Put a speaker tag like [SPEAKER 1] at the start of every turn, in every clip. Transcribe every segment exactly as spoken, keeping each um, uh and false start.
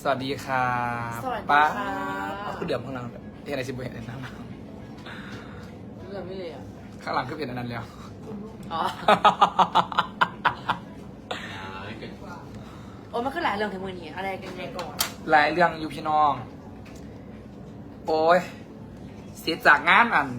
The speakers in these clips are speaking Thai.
[SPEAKER 1] วัสดีครับ
[SPEAKER 2] สวัสดี
[SPEAKER 1] ป้า
[SPEAKER 2] ครับ
[SPEAKER 1] คือเดือดข้างหลังเห็นอะไรสิบเห็นอะไรนั่น
[SPEAKER 2] เรื่องไม่เลยอ่ะ
[SPEAKER 1] ข้างหลังคือเห็นอันนั้นแล้ว
[SPEAKER 2] อ๋อ โอ้มันคือหลายเรื่องถึงมือนี้อะไรกันยังไงก่อน
[SPEAKER 1] หลายเรื่องอยู่พี่น้อง โอ้ยเสียจากงานอัน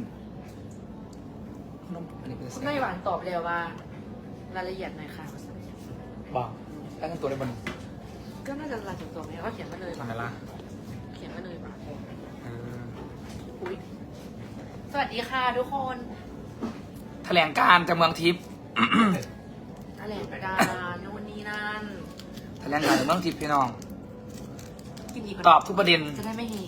[SPEAKER 1] อันนี้เป็น
[SPEAKER 2] คุณแม่หวานตอบแล้วว่า รายละเอียดหน่อยค่ะ
[SPEAKER 1] บอกได้ทั้งตัวได้บน
[SPEAKER 2] ก็น่าจะรายถึงตัวไหมก็เขียนมาเลย
[SPEAKER 1] ทำไมล่ะ
[SPEAKER 2] เขียนมาเลยป่ะ
[SPEAKER 1] เออ
[SPEAKER 2] อุ้ยสวัสดีค่ะทุกคน
[SPEAKER 1] แถลงการจากเมืองทิพย์
[SPEAKER 2] แถลงการนู่นนี่นั่น
[SPEAKER 1] แถลงการจากเมืองทิพย์พี่น้อง
[SPEAKER 2] กินดีกว่า
[SPEAKER 1] ตอบทุกประเด็น
[SPEAKER 2] จะได้ไม่เฮ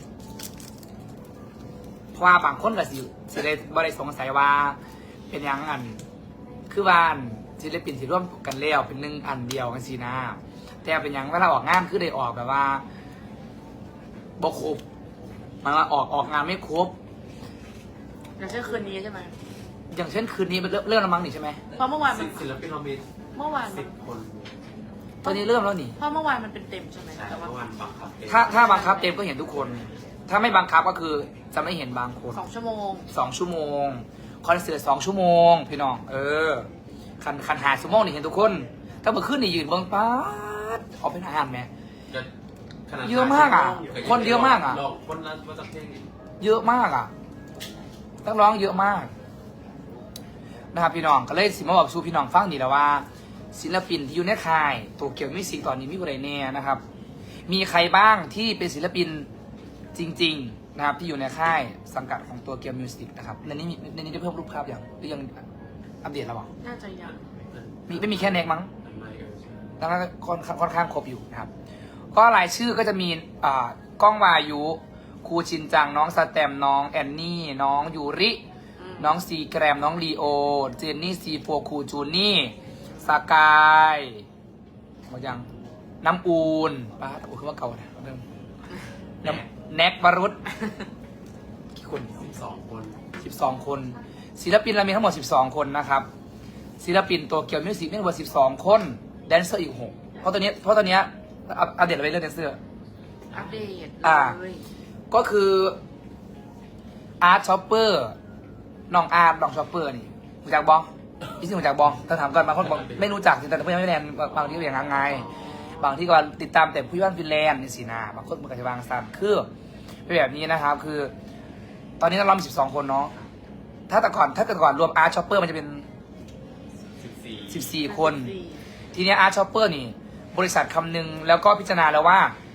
[SPEAKER 1] เพราะว่าบางคนก็สิสิได้บ่ได้สงสัยว่า เป็นหยังอัน คือว่าอันศิลปินที่ร่วมกันแล้วเป็นหนึ่งอันเดียวกันสินะแต่เป็นหยังเวลาออกงานคือได้ออกแบบว่าบ่ครบหมายว่าออกออกงานไม่ครบ
[SPEAKER 2] อย่างเช่นคืนนี้ใช่ไหม
[SPEAKER 1] อย่างเช่นคืนนี้เริ่มเริ่มแล้วมั้งนี่ใช่ไหม
[SPEAKER 2] เพราะเมื่อวานมัน
[SPEAKER 3] ศิลปินเรามี
[SPEAKER 2] เมื่อวานมั
[SPEAKER 3] สิ
[SPEAKER 2] น
[SPEAKER 3] บคน
[SPEAKER 1] ตอนนี้เริ่มแล้วนี่
[SPEAKER 2] เพราะเมื่อวานมันเป็นเต็มใช่ไหม
[SPEAKER 3] แต่
[SPEAKER 2] แต่ว่า
[SPEAKER 3] เมื่อวันบังคับเอง
[SPEAKER 1] ถ้าถ้าบังคับเต็มก็เห็นทุกคน ถ้าไม่บังคับก็คือจะไม่เห็นบางคน
[SPEAKER 2] สองชั่วโมง
[SPEAKER 1] สองชั่วโมงคอนเสิร์ตสองชั่วโมงพี่น้องเออคันคันหาชั่วโมงนี่เห็นทุกคน ถ้าเมื่อคืนนี่ยืนเบิ้งป๊าดออกเป็นอาหารไหม
[SPEAKER 3] ขนาด
[SPEAKER 1] เยอะมากอ่ะคนเยอะมากอ่ะ
[SPEAKER 3] ลองคนละว่าจะเพลง
[SPEAKER 1] เยอะมากอ่ะต้องร้องเยอะมากนะครับพี่น้องก็เลยสิมาบอกสู่พี่น้องฟังนี่แหละว่า ศิลปินที่อยู่ในค่ายโตเกียวมิวสิกตอนนี้มีอะไรแน่นะครับ มีใครบ้างที่เป็นศิลปินจริงๆนะครับที่อยู่ในค่ายสังกัดของตัวเกียวมิวสิกนะครับในนี้มีในนี้ได้เพิ่มรูปภาพอย่างหรือยังอัปเดตแล้วเหรอ
[SPEAKER 2] น่าจะยัง
[SPEAKER 1] มีไม่มีแค่เน็กมั้ง
[SPEAKER 3] ไม่เออใช่
[SPEAKER 1] แล้วก็ค่อนค่อนข้างครบอยู่นะครับ ก็รายชื่อก็จะมีอ่าก้องวายุครูชินจังน้องสแตมน้องแอนนี่ น้องยูริ
[SPEAKER 2] อืม
[SPEAKER 1] น้องซีแกรมน้องลีโอ เจนนี่ซีโฟคูจูนี่สกายหมดยังน้ำอูนป้าโอ้คือว่าเก่าเนี่ยเริ่มน้ำแน็กบารุษกี่คน
[SPEAKER 3] สิบสองคน
[SPEAKER 1] สิบสองคน ศิลปินเรามีทั้งหมดสิบสองคนนะครับ ศิลปินตัวเกียวมิวสิกมีทั้งหมดสิบสองคน แดนเซอร์อีกหกเพราะตอนนี้เพราะตอนนี้อัปอัปเดตอะไรเรื่องแดนเซอร์
[SPEAKER 2] อัปเดต
[SPEAKER 1] อ่า
[SPEAKER 2] เลย
[SPEAKER 1] ก็คืออาร์ตช็อปเปอร์น้องอาร์ตน้องช็อปเปอร์นี่รู้จักบองพี่สิรู้จักบองถ้าถามกันบางคนบอกไม่รู้จักแต่เพื่อนไม่แลนบางที่ก็อย่างไงบางที่ก็ติดตามแต่ผู้ย่านฟินแลนด์นี่สินะบางคนมันก็จะบางซ้ำคือเป็นแบบนี้นะครับ คือ ตอนนี้เรามีสิบสองคนเนาะถ้าแต่ก่อนถ้าแต่ก่อนรวมอาร์ตช็อปเปอร์มันจะเป็น
[SPEAKER 3] สิบสี่
[SPEAKER 1] สิบสี่คน ทีนี้อาร์ตช็อปเปอร์นี่ บริษัทคำนึงแล้วก็พิจารณาแล้วว่า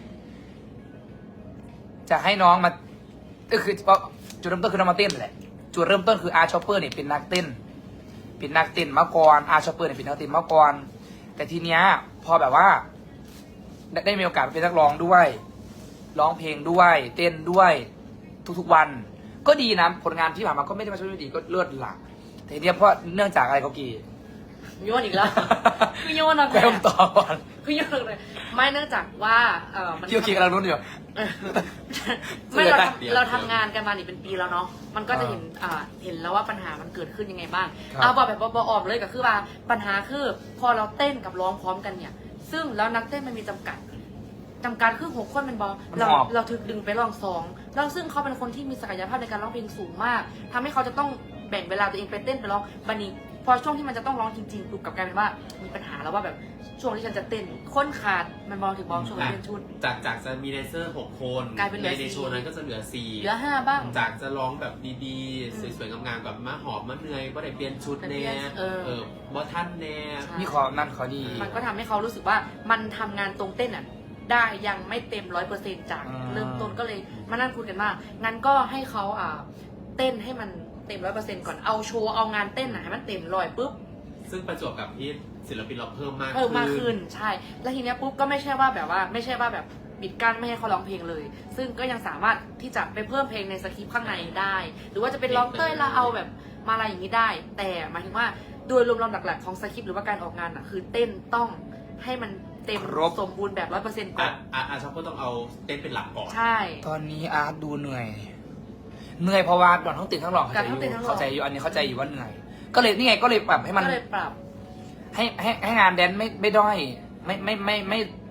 [SPEAKER 1] จะให้น้องมาก็คือจุดเริ่มต้นคือน้องมาเต้นแหละจุดเริ่มต้นคืออาร์ตช็อปเปอร์เนี่ยเป็นนักเต้น เป็นนักเต้นมาก่อนอาร์ตช็อปเปอร์เนี่ยเป็นนักเต้นมาก่อนแต่ทีเนี้ยพอแบบว่า ได้ได้มีโอกาสเป็นนักร้องด้วย ร้องเพลงด้วย เต้นด้วย ทุกๆวัน ก็ดีนะผลงานที่ผ่านมาก็ไม่ได้มาช่วยไม่ดีก็เลิศหลักแต่ทีเนี้ยเพราะเนื่องจากอะไรเขากี่
[SPEAKER 2] โยนอีกแล้ว คือโยนอะไร
[SPEAKER 1] เริ่มต่อก่อน
[SPEAKER 2] คือโยนเลยไม่เนื่องจากว่าเออมัน
[SPEAKER 1] เกี่ยวกี่กำลังรุ่นอยู่
[SPEAKER 2] เออไม่เราทำเราทำงานกันมานี่เป็นปีแล้วเนาะมันก็จะเห็นอ่าเห็นแล้วว่าปัญหามันเกิดขึ้นยังไงบ้าง
[SPEAKER 1] ครับ
[SPEAKER 2] เอาบอกแบบบออมเลยก็คือว่าปัญหาคือพอเราเต้นกับร้องพร้อมกันเนี่ย ซึ่งแล้วนักเต้นมันมีจำกัดจำกัดคือหกคนเป็นบอเราเราถึกดึงไปลองสองแล้วซึ่งเขาเป็นคนที่มีศักยภาพในการร้องเพลงสูงมากทำให้เขาจะต้องแบ่งเวลาตัวเองไปเต้นไปร้องบันนี้พอช่วงที่มันจะต้องร้องจริงๆปุ๊บกลับกลายเป็นว่ามีปัญหาแล้วว่าแบบช่วงที่ฉันจะเต้นค้นขาดมันบอลถึงบอลช่วงเต้นชุด
[SPEAKER 3] จากจากจะมีแดนเซอร์หกคน
[SPEAKER 2] กลายเป็นเหลื
[SPEAKER 3] ใน
[SPEAKER 2] อสี่
[SPEAKER 3] ในโชว์นั้นก็จะเหลือสี่
[SPEAKER 2] เหลือห้าบ้าง
[SPEAKER 3] จากจะร้องแบบดีๆ สวยๆงามๆแบบมาหอมมาเหนื่อยว่าได้เปลี่ยนชุดแน่
[SPEAKER 2] เออ
[SPEAKER 3] เออบ่ท่านแน่
[SPEAKER 1] มีขอนั่นขอดี
[SPEAKER 2] มันก็ทำให้เขารู้สึกว่ามันทำงานตรงเต้นอ่ะได้ยังไม่เต็มร้อยเปอร์เซ็นต์จาก
[SPEAKER 1] อืม
[SPEAKER 2] เริ่มต้นก็เลยมานั่งคุยกันว่างั้นก็ให้เขาอ่าเต้นให้มันเต็มร้อยเปอร์เซ็นต์ก่อนเอาโชว์เอางานเต้นอ่ะให้มันเต็มร้อยปุ๊บ
[SPEAKER 3] ซึ่งประจวบกับที่ศิลปินเราเพิ่มมาก
[SPEAKER 2] เพิ่มมากขึ้นใช่ แล้วทีเนี้ยปุ๊บก็ไม่ใช่ว่าแบบว่าไม่ใช่ว่าแบบปิดกั้นไม่ให้เขาร้องเพลงเลย ซึ่งก็ยังสามารถที่จะไปเพิ่มเพลงในสคริปต์ข้างในได้ หรือว่าจะเป็นร้องเต้ยแล้วเอาแบบมาอะไรอย่างนี้ได้ แต่หมายถึงว่าโดยรวมๆหลักๆของสคริปต์หรือว่าการออกงานอ่ะคือเต้นต้องให้มันเต็ม
[SPEAKER 1] ครบ
[SPEAKER 2] สมบูรณ์แบบร้อยเปอร์เซ็นต์ก่
[SPEAKER 3] อ่ะ
[SPEAKER 2] อน
[SPEAKER 3] อ่ะอ่ะชอบก็ต้องเอาเต้นเป็นหลักก่อน
[SPEAKER 2] ใช่
[SPEAKER 1] ตอนนี้อาร์ตดูเหนื่อย เหนื่อยเพราะว่าดอนทั้งตื่นทั้งหลอกเข้าใจอ
[SPEAKER 2] การทั้งตื่นทั้
[SPEAKER 1] ยู่
[SPEAKER 2] งหล่อ
[SPEAKER 1] เข้าใจอยู่อันนี้เข้าใจอยู่ว่าเหนื่อย ก็เลยนี่ไงก็เลยปรับให้มัน
[SPEAKER 2] ก็เลยปรับ
[SPEAKER 1] ให้ให้ให้งานแดนไม่ไม่ด้อยไม่ไม่ไม่ไม่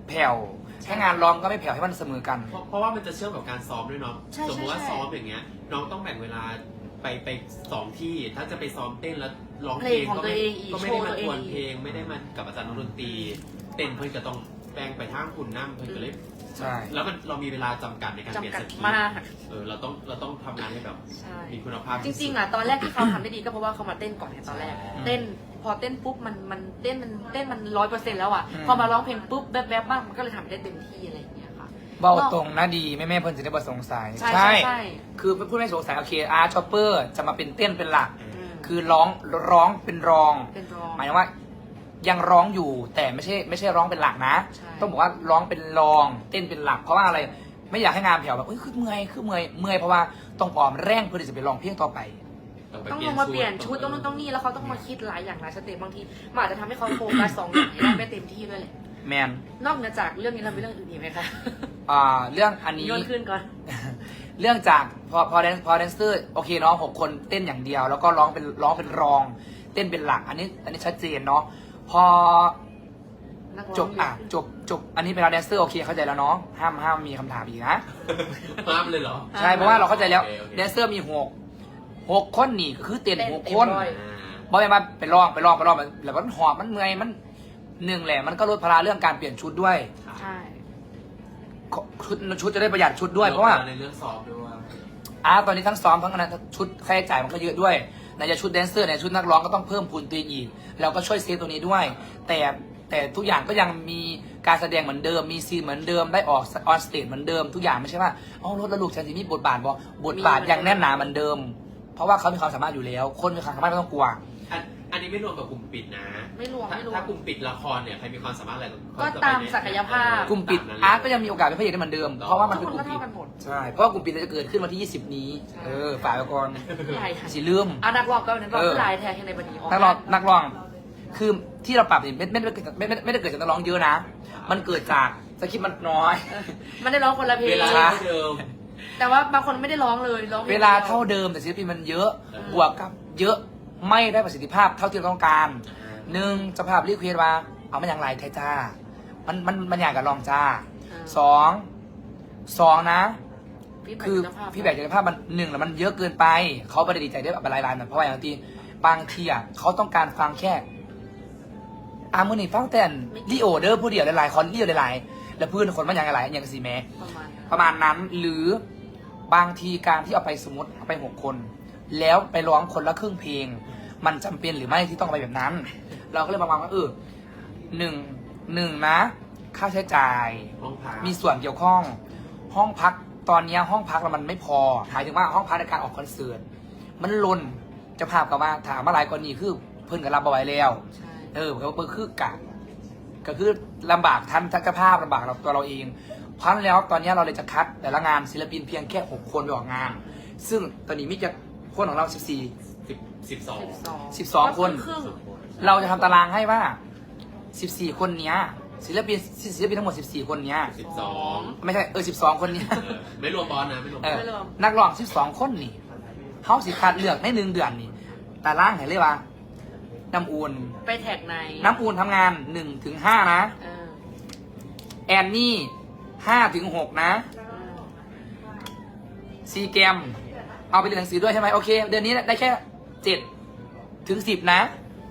[SPEAKER 1] แผ่วแค่งานร้องก็ไม่แผ่วให้มันเสมอกัน
[SPEAKER 3] เพราะเพราะว่ามันจะเชื่อมกับการซ้อมด้วยเนาะ
[SPEAKER 2] ใช่
[SPEAKER 3] สมมติว่า
[SPEAKER 2] ใช่
[SPEAKER 3] ซ้อมอย่างเงี้ย น้องต้องแบ่งเวลาไปไปสองที่ ถ้าจะไปซ้อมเต้นแล้วร้องเพลง
[SPEAKER 2] เพลงของ
[SPEAKER 3] ก็
[SPEAKER 2] ตัว
[SPEAKER 3] ไม่
[SPEAKER 2] เองอีก
[SPEAKER 3] ก็ไม่ได้มา
[SPEAKER 2] โชว์ตัวเอง
[SPEAKER 3] ทวนเพลงไม่ได้มากับอาจารย์ดนตรีเต้นเพื่อนก็ต้องแบ่งไปทางคุณน้ำเพื่อนก็เลย
[SPEAKER 1] ใช่
[SPEAKER 3] แล้วมันเรามีเวลาจำกัดในการเปลี่ยน
[SPEAKER 2] จำกั
[SPEAKER 3] ส
[SPEAKER 2] ด
[SPEAKER 3] กี
[SPEAKER 2] มาก
[SPEAKER 3] เออเราต้องเราต้องทำงานให้แบบ
[SPEAKER 2] ใช่
[SPEAKER 3] มีคุณภาพ
[SPEAKER 2] จริงๆอ่ะตอนแรกที่เขาทำได้ดีก็เพราะว่าเขามาเต้นก่อนไงตอนแรก เต้นพอเต้นปุ๊บมันมันเต้นมันเต้นมันร้อยเปอร์เซ็นต์แล้วอ่ะ
[SPEAKER 1] อืม
[SPEAKER 2] พอมาร้องเพลงปุ๊บแบบแบบๆบ้างมันก็เลยทำได้เต็มที่อะไรอย่างเงี้ยค่ะ
[SPEAKER 1] เบาตรงนะดีแม่แม่ๆเพิ่นจะได้บ่สงสัย
[SPEAKER 2] ใช่ใช่ใช่
[SPEAKER 1] คือพูดไม่สงสัยโอเคอาร์ชอปเปอร์จะมาเป็นเต้นเป็นหลัก
[SPEAKER 2] อืม
[SPEAKER 1] คือร้องร้องเป็นรอง
[SPEAKER 2] เป็นรอง
[SPEAKER 1] หมายถึงว่ายังร้องอยู่แต่ไม่ใช่ไม่ใช่ร้องเป็นหลักนะ
[SPEAKER 2] ใช่
[SPEAKER 1] ต้องบอกว่าร้องเป็นรองเต้นเป็นหลัก เพราะว่าอะไรไม่อยากให้งานแผ่วแบบเอ้ยคือเมื่อยคือเมื่อยเมื่อยเพราะว่าต้องออมแรงเพื่อที่จะไปร้องเพลงต่อไป
[SPEAKER 3] ไป
[SPEAKER 2] ต้อง
[SPEAKER 3] เป
[SPEAKER 2] ล
[SPEAKER 3] ลี่ย
[SPEAKER 2] ง
[SPEAKER 3] น
[SPEAKER 2] มาเปลี่ยนชุดต้องนู่นต้องนี่แล้วเขาต้องมาคิดหลายอย่างหลายสเต็ปบางทีมันอาจจะทำให้เขาโฟกัสสองอย่างให้ได้ไม่เต็มที่ด้วยแหละ
[SPEAKER 1] แมน
[SPEAKER 2] นอกเหนือจากเรื่องนี้เรามีเรื่องอื่นอีกไหมคะ
[SPEAKER 1] อ่าเรื่องอันนี้
[SPEAKER 2] โยนขึ้นก่อน
[SPEAKER 1] เรื่องจากพอพอแดนพอแดนเซอร์โอเคเนาะหกคนเต้นอย่างเดียว แล้วก็ร้องเป็นร้องเป็นรอง เต้นเป็นหลัก อันนี้อันนี้ชัดเจนเนาะพอ
[SPEAKER 2] นักร้อง
[SPEAKER 1] จบอ่ะจบจบอันนี้เป็นเราแดนเซอร์โอเคเข้าใจแล้วเนาะห้ามห้ามมีคำถามอีกนะ
[SPEAKER 3] ห้ามเลยเหรอ
[SPEAKER 1] ใช่เพราะว่าเราเข้าใจแล้ว
[SPEAKER 3] โอเคโอเค
[SPEAKER 1] แดนเซอร์มีหกหกคนนี่คือเต้น
[SPEAKER 2] เต้น
[SPEAKER 1] หก
[SPEAKER 2] เต็ม
[SPEAKER 1] คน
[SPEAKER 2] ร้อย
[SPEAKER 3] อ่า
[SPEAKER 1] บอกไปมาไปร้องไปร้องไปร้องแล้วมันหอบมันเมื่อยมันหนึ่งแหละมันก็ลดภาระเรื่องการเปลี่ยนชุดด้วย
[SPEAKER 2] ใช่
[SPEAKER 1] ชุดชุดจะได้ประหยัดชุดด้วยเพราะว่า
[SPEAKER 3] ในเรื่องซ้อมด้วย
[SPEAKER 1] อ่าตอนนี้ทั้งซ้อมทั้งอะไรชุดค่าใช้จ่ายมันก็เยอะด้วยไหนจะชุดแดนเซอร์ไหนชุดนักร้องก็ต้องเพิ่มพูนตัวเองอีกเราก็ช่วยเซฟตัวนี้ด้วย แต่แต่ทุกอย่างก็ยังมีการแสดงเหมือนเดิมมีซีนเหมือนเดิมได้ออกออนสเตจเหมือนเดิมทุกอย่างไม่ใช่ว่าอ๋อรถแล้วลูกฉันจะมีบทบาทบ่บทบาทยังแน่นหนาเหมือนเดิม เพราะว่าเขามีความสามารถอยู่แล้ว คนมีความสามารถไม่ต้องกลัว
[SPEAKER 3] อันอันนี้ไม่รวมกับกลุ่มปิดนะ
[SPEAKER 2] ไม่รวม
[SPEAKER 3] ถ้า
[SPEAKER 2] ไม่รวม
[SPEAKER 3] ถ้ากลุ่มปิดละครเนี่ยใครมีความสามารถอะไร
[SPEAKER 2] ก็ตามศักยภาพ
[SPEAKER 1] กลุ่มปิดอาร์ตก็ยังมีโอกาสเป็นพระเอกได้เหมือนเดิมเพราะว่ามัน
[SPEAKER 2] ทุ
[SPEAKER 1] เป็
[SPEAKER 2] ก
[SPEAKER 1] น
[SPEAKER 2] ค
[SPEAKER 1] ก
[SPEAKER 2] น
[SPEAKER 1] ลุ่
[SPEAKER 2] ก็
[SPEAKER 1] มปิด
[SPEAKER 2] เท่ากันหมด
[SPEAKER 1] ใช่เพราะว่ากลุ่มปิดจะเกิดขึ้นวันที่ยี่สิบนี้
[SPEAKER 2] ใช่
[SPEAKER 1] เออฝ่ายไปก่อน
[SPEAKER 2] ใหญ่ค่ะ
[SPEAKER 1] สิลืม
[SPEAKER 2] เอานักร้องก็นักร้อง
[SPEAKER 1] เออ
[SPEAKER 2] คือลายแทนในบันนี้
[SPEAKER 1] นักร้องนักร้อง คือที่เราปรับเนี่ยไม่ไม่ได้เกิดไม่ไม่ไม่ได้เกิดจากนักร้องเยอะนะ มันเกิดจากสคริปต์มันน้อย
[SPEAKER 2] มันได้ร้องคนละเพล
[SPEAKER 3] เว
[SPEAKER 2] ง
[SPEAKER 3] ลา
[SPEAKER 1] ช้า
[SPEAKER 3] เท่าเดิม
[SPEAKER 2] แต่ว่าบางคนไม่ได้ร้องเลยร้องพง
[SPEAKER 1] เวลาเท่าเดิมแต่ศิลปินมันเยอะ บวกกับเยอะไม่ได้ประสิทธิภาพเท่าที่เราต้องการหนึ่งเจ้าภาพรีเควสว่าเอามันอย่างไรไทยจ้า มันมันมันอยากกับลองจ้าสองสองนะ คือพี่แบกจากภาพมันหนึ่งแล้วมันเยอะเกินไป เขาไม่ได้ดีใจได้แบบหลายรายนะเพราะว่าอย่างที่บางทีอ่ะเขาต้องการฟังแค่อามือนี่ฟังแต่ลีโอเดอร์ผู้เดียวหลายๆคอนลีโอหลายๆแล้วเพื่อนคนมันอย่างไรอย่างสีแม้
[SPEAKER 2] ประมาณนั้น
[SPEAKER 1] ประมาณนั้นหรือบางทีการที่เอาไปสมมติเอาไปหกคน แล้วไปร้องคนละครึ่งเพลง มันจำเป็นหรือไม่ที่ต้องไปแบบนั้น เราก็เลยมาวางว่าเออหนึ่งหนึ่งนะ ค่าใช้จ่าย
[SPEAKER 3] ห้องพัก
[SPEAKER 1] มีส่วนเกี่ยวข้อง ห้องพักตอนนี้ห้องพักเรามันไม่พอหมายถึงว่าห้องพักในการออกคอนเสิร์ตมันลนเจะภาพกับว่าถามมาหลายกรณีคือเพิ่นกับรับเอาไว้แล้ว
[SPEAKER 2] ใช่
[SPEAKER 1] เออก็คือกะก็คือลำบากทันทักษภาพลำบากเราตัวเราเองเพราะฉะนั้นแล้วตอนนี้เราเลยจะคัดแต่ละงานศิลปินเพียงแค่หกคนไปออกงาน ซึ่งตอนนี้มิจะคนของเราสิบสี่
[SPEAKER 3] สิบสิบสอง
[SPEAKER 2] สิบสอง
[SPEAKER 1] สิบสองคน
[SPEAKER 2] ครึ่ง
[SPEAKER 1] เราจะทำตารางให้ว่าสิบสี่คนเนี้ยศิลปินศิลปินทั้งหมดสิบสี่คนเนี้ย
[SPEAKER 3] สิบสอง
[SPEAKER 1] ไม่ใช่เออสิบสองคนเนี้ย
[SPEAKER 3] เออไม่รวมบอลนะไม่รวมบ
[SPEAKER 1] เอ
[SPEAKER 3] อล
[SPEAKER 1] อนักร้องสิบสองคนนี่เขาสิคัดเลือกในหนึ่งเดือนนี่ตารางเห็นเลยว่าน้ำอูน
[SPEAKER 2] ไปแท็กใน
[SPEAKER 1] น้ำอูนทำงานหนึ่งถึงห้านะ
[SPEAKER 2] เออ
[SPEAKER 1] แอนนี่ห้าถึงหกนะ
[SPEAKER 2] เออ
[SPEAKER 1] ซีแกมเอาไปเรียนหนังสือด้วยใช่ไหมโอเค เดือนนี้ได้แค่เจ็ดถึงสิบนะ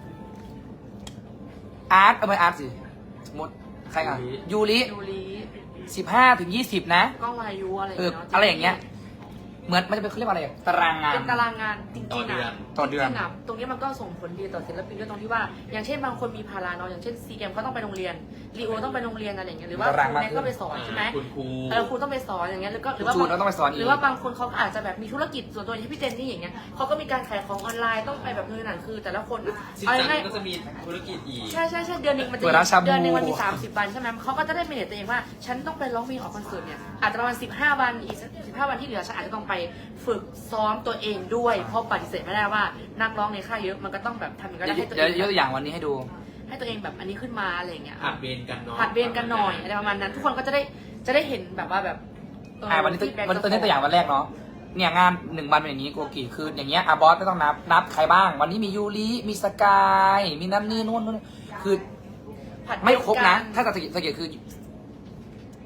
[SPEAKER 1] อาร์ตเอาไปอาร์ตสิสมมติใครอ่ะยูริ
[SPEAKER 2] ยูริ
[SPEAKER 1] สิบห้าถึงยี่สิบนะ
[SPEAKER 2] กล้องวายุอะไร
[SPEAKER 1] เออ
[SPEAKER 2] เนาะ
[SPEAKER 1] อะไรอย่างเงี้ย เหมือนมันจะเป็นเขาเรียกว่าอะไรตารางงาน
[SPEAKER 2] เป็นตารางงานจริง
[SPEAKER 3] ต่อ
[SPEAKER 2] ๆ
[SPEAKER 3] เดือน
[SPEAKER 2] อะ
[SPEAKER 1] ต่อเดือน
[SPEAKER 2] จริงๆะตรงนี้มันก็ส่งผลดีต่อศิลปินด้วยตรงที่ว่า อย่างเช่นบางคนมีภาระเนาะอย่างเช่นซีเกมเขาต้องไปโรงเรียนรีโอต้องไปโรงเรียนอะไรอย่างเงี้ยหรือว่า
[SPEAKER 1] ตาราง
[SPEAKER 2] ครู
[SPEAKER 1] มาก
[SPEAKER 2] แม็ก
[SPEAKER 1] ขึ้น
[SPEAKER 2] ก็ไปสอนใช่ไหม
[SPEAKER 3] คุณครู
[SPEAKER 2] เออครูต้องไปสอนอย่างเงี้ยหรือก็หรือว่า
[SPEAKER 1] จูนก็ต้องไปสอนอีก
[SPEAKER 2] หรือว่าบางคนเขาอาจจะแบบมีธุรกิจส่วนตัวอย่างที่พี่เจนนี่อย่างเงี้ยเขาก็มีการขายของออนไลน์ต้องไปแบบนู่นนั่นคือ แต่ละคนอะ
[SPEAKER 3] สิบ
[SPEAKER 2] เอา
[SPEAKER 3] สาม
[SPEAKER 2] ง่าย
[SPEAKER 3] ก็จะมีธุรกิจอีก
[SPEAKER 2] ๆใช่ใช่ใช่เดือนหนึ่งมันจะ
[SPEAKER 1] เปิดร้านชาบู
[SPEAKER 2] เดือนหนึ่งมันมีสามสิบวันใช่ไหมเขาก็จะได้เมเนจตัวเองว่า ฉันต้องไปร้องเพลงออกคอนเสิร์ตเนี่ยอาจจะประมาณสิบห้าวันอีกสิบห้าวันที่เหลือฉันอาจจะต้องไปฝึกซ้อมตัวเองด้วยเพราะปฏิเสธไม่ได้ว่านักร้องในค่ายเยอะมันก็ต้องแบบทำอย่างไรให้ตัว
[SPEAKER 1] เดี๋
[SPEAKER 2] เอ
[SPEAKER 1] ยว
[SPEAKER 2] ง
[SPEAKER 1] ยกตัวอย่างวันนี้ให้ดู
[SPEAKER 2] ให้ตัวเองแบบอันนี้ขึ้นมาอะไรอย่างเงี้ย
[SPEAKER 3] ผัดเวรกันเนาะ
[SPEAKER 2] ผัดเวรกันหน่อยอะไรประมาณนั้น ทุกคนก็จะได้จะได้เห็นแบบว่าแบบเ
[SPEAKER 1] อ่าวันนี้ตัว
[SPEAKER 2] feedback
[SPEAKER 1] วันตัวนี้ตัวอย่างวันแรกเนาะเนี่ยงานหนึ่งวันเป็นอย่างนี้โกกิคืออย่างเงี้ยอาบอสไม่ต้องนับนับใครบ้าง วันนี้มียูริมีสกายมีนั่นนี่นู่นนู่นคือ
[SPEAKER 2] ผัดเว
[SPEAKER 1] ไม่ครบนะ
[SPEAKER 2] กั
[SPEAKER 1] ถ้าจะสังเกตสังเกตคือ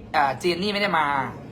[SPEAKER 1] อ่าเจนนี่ไม่ได้มา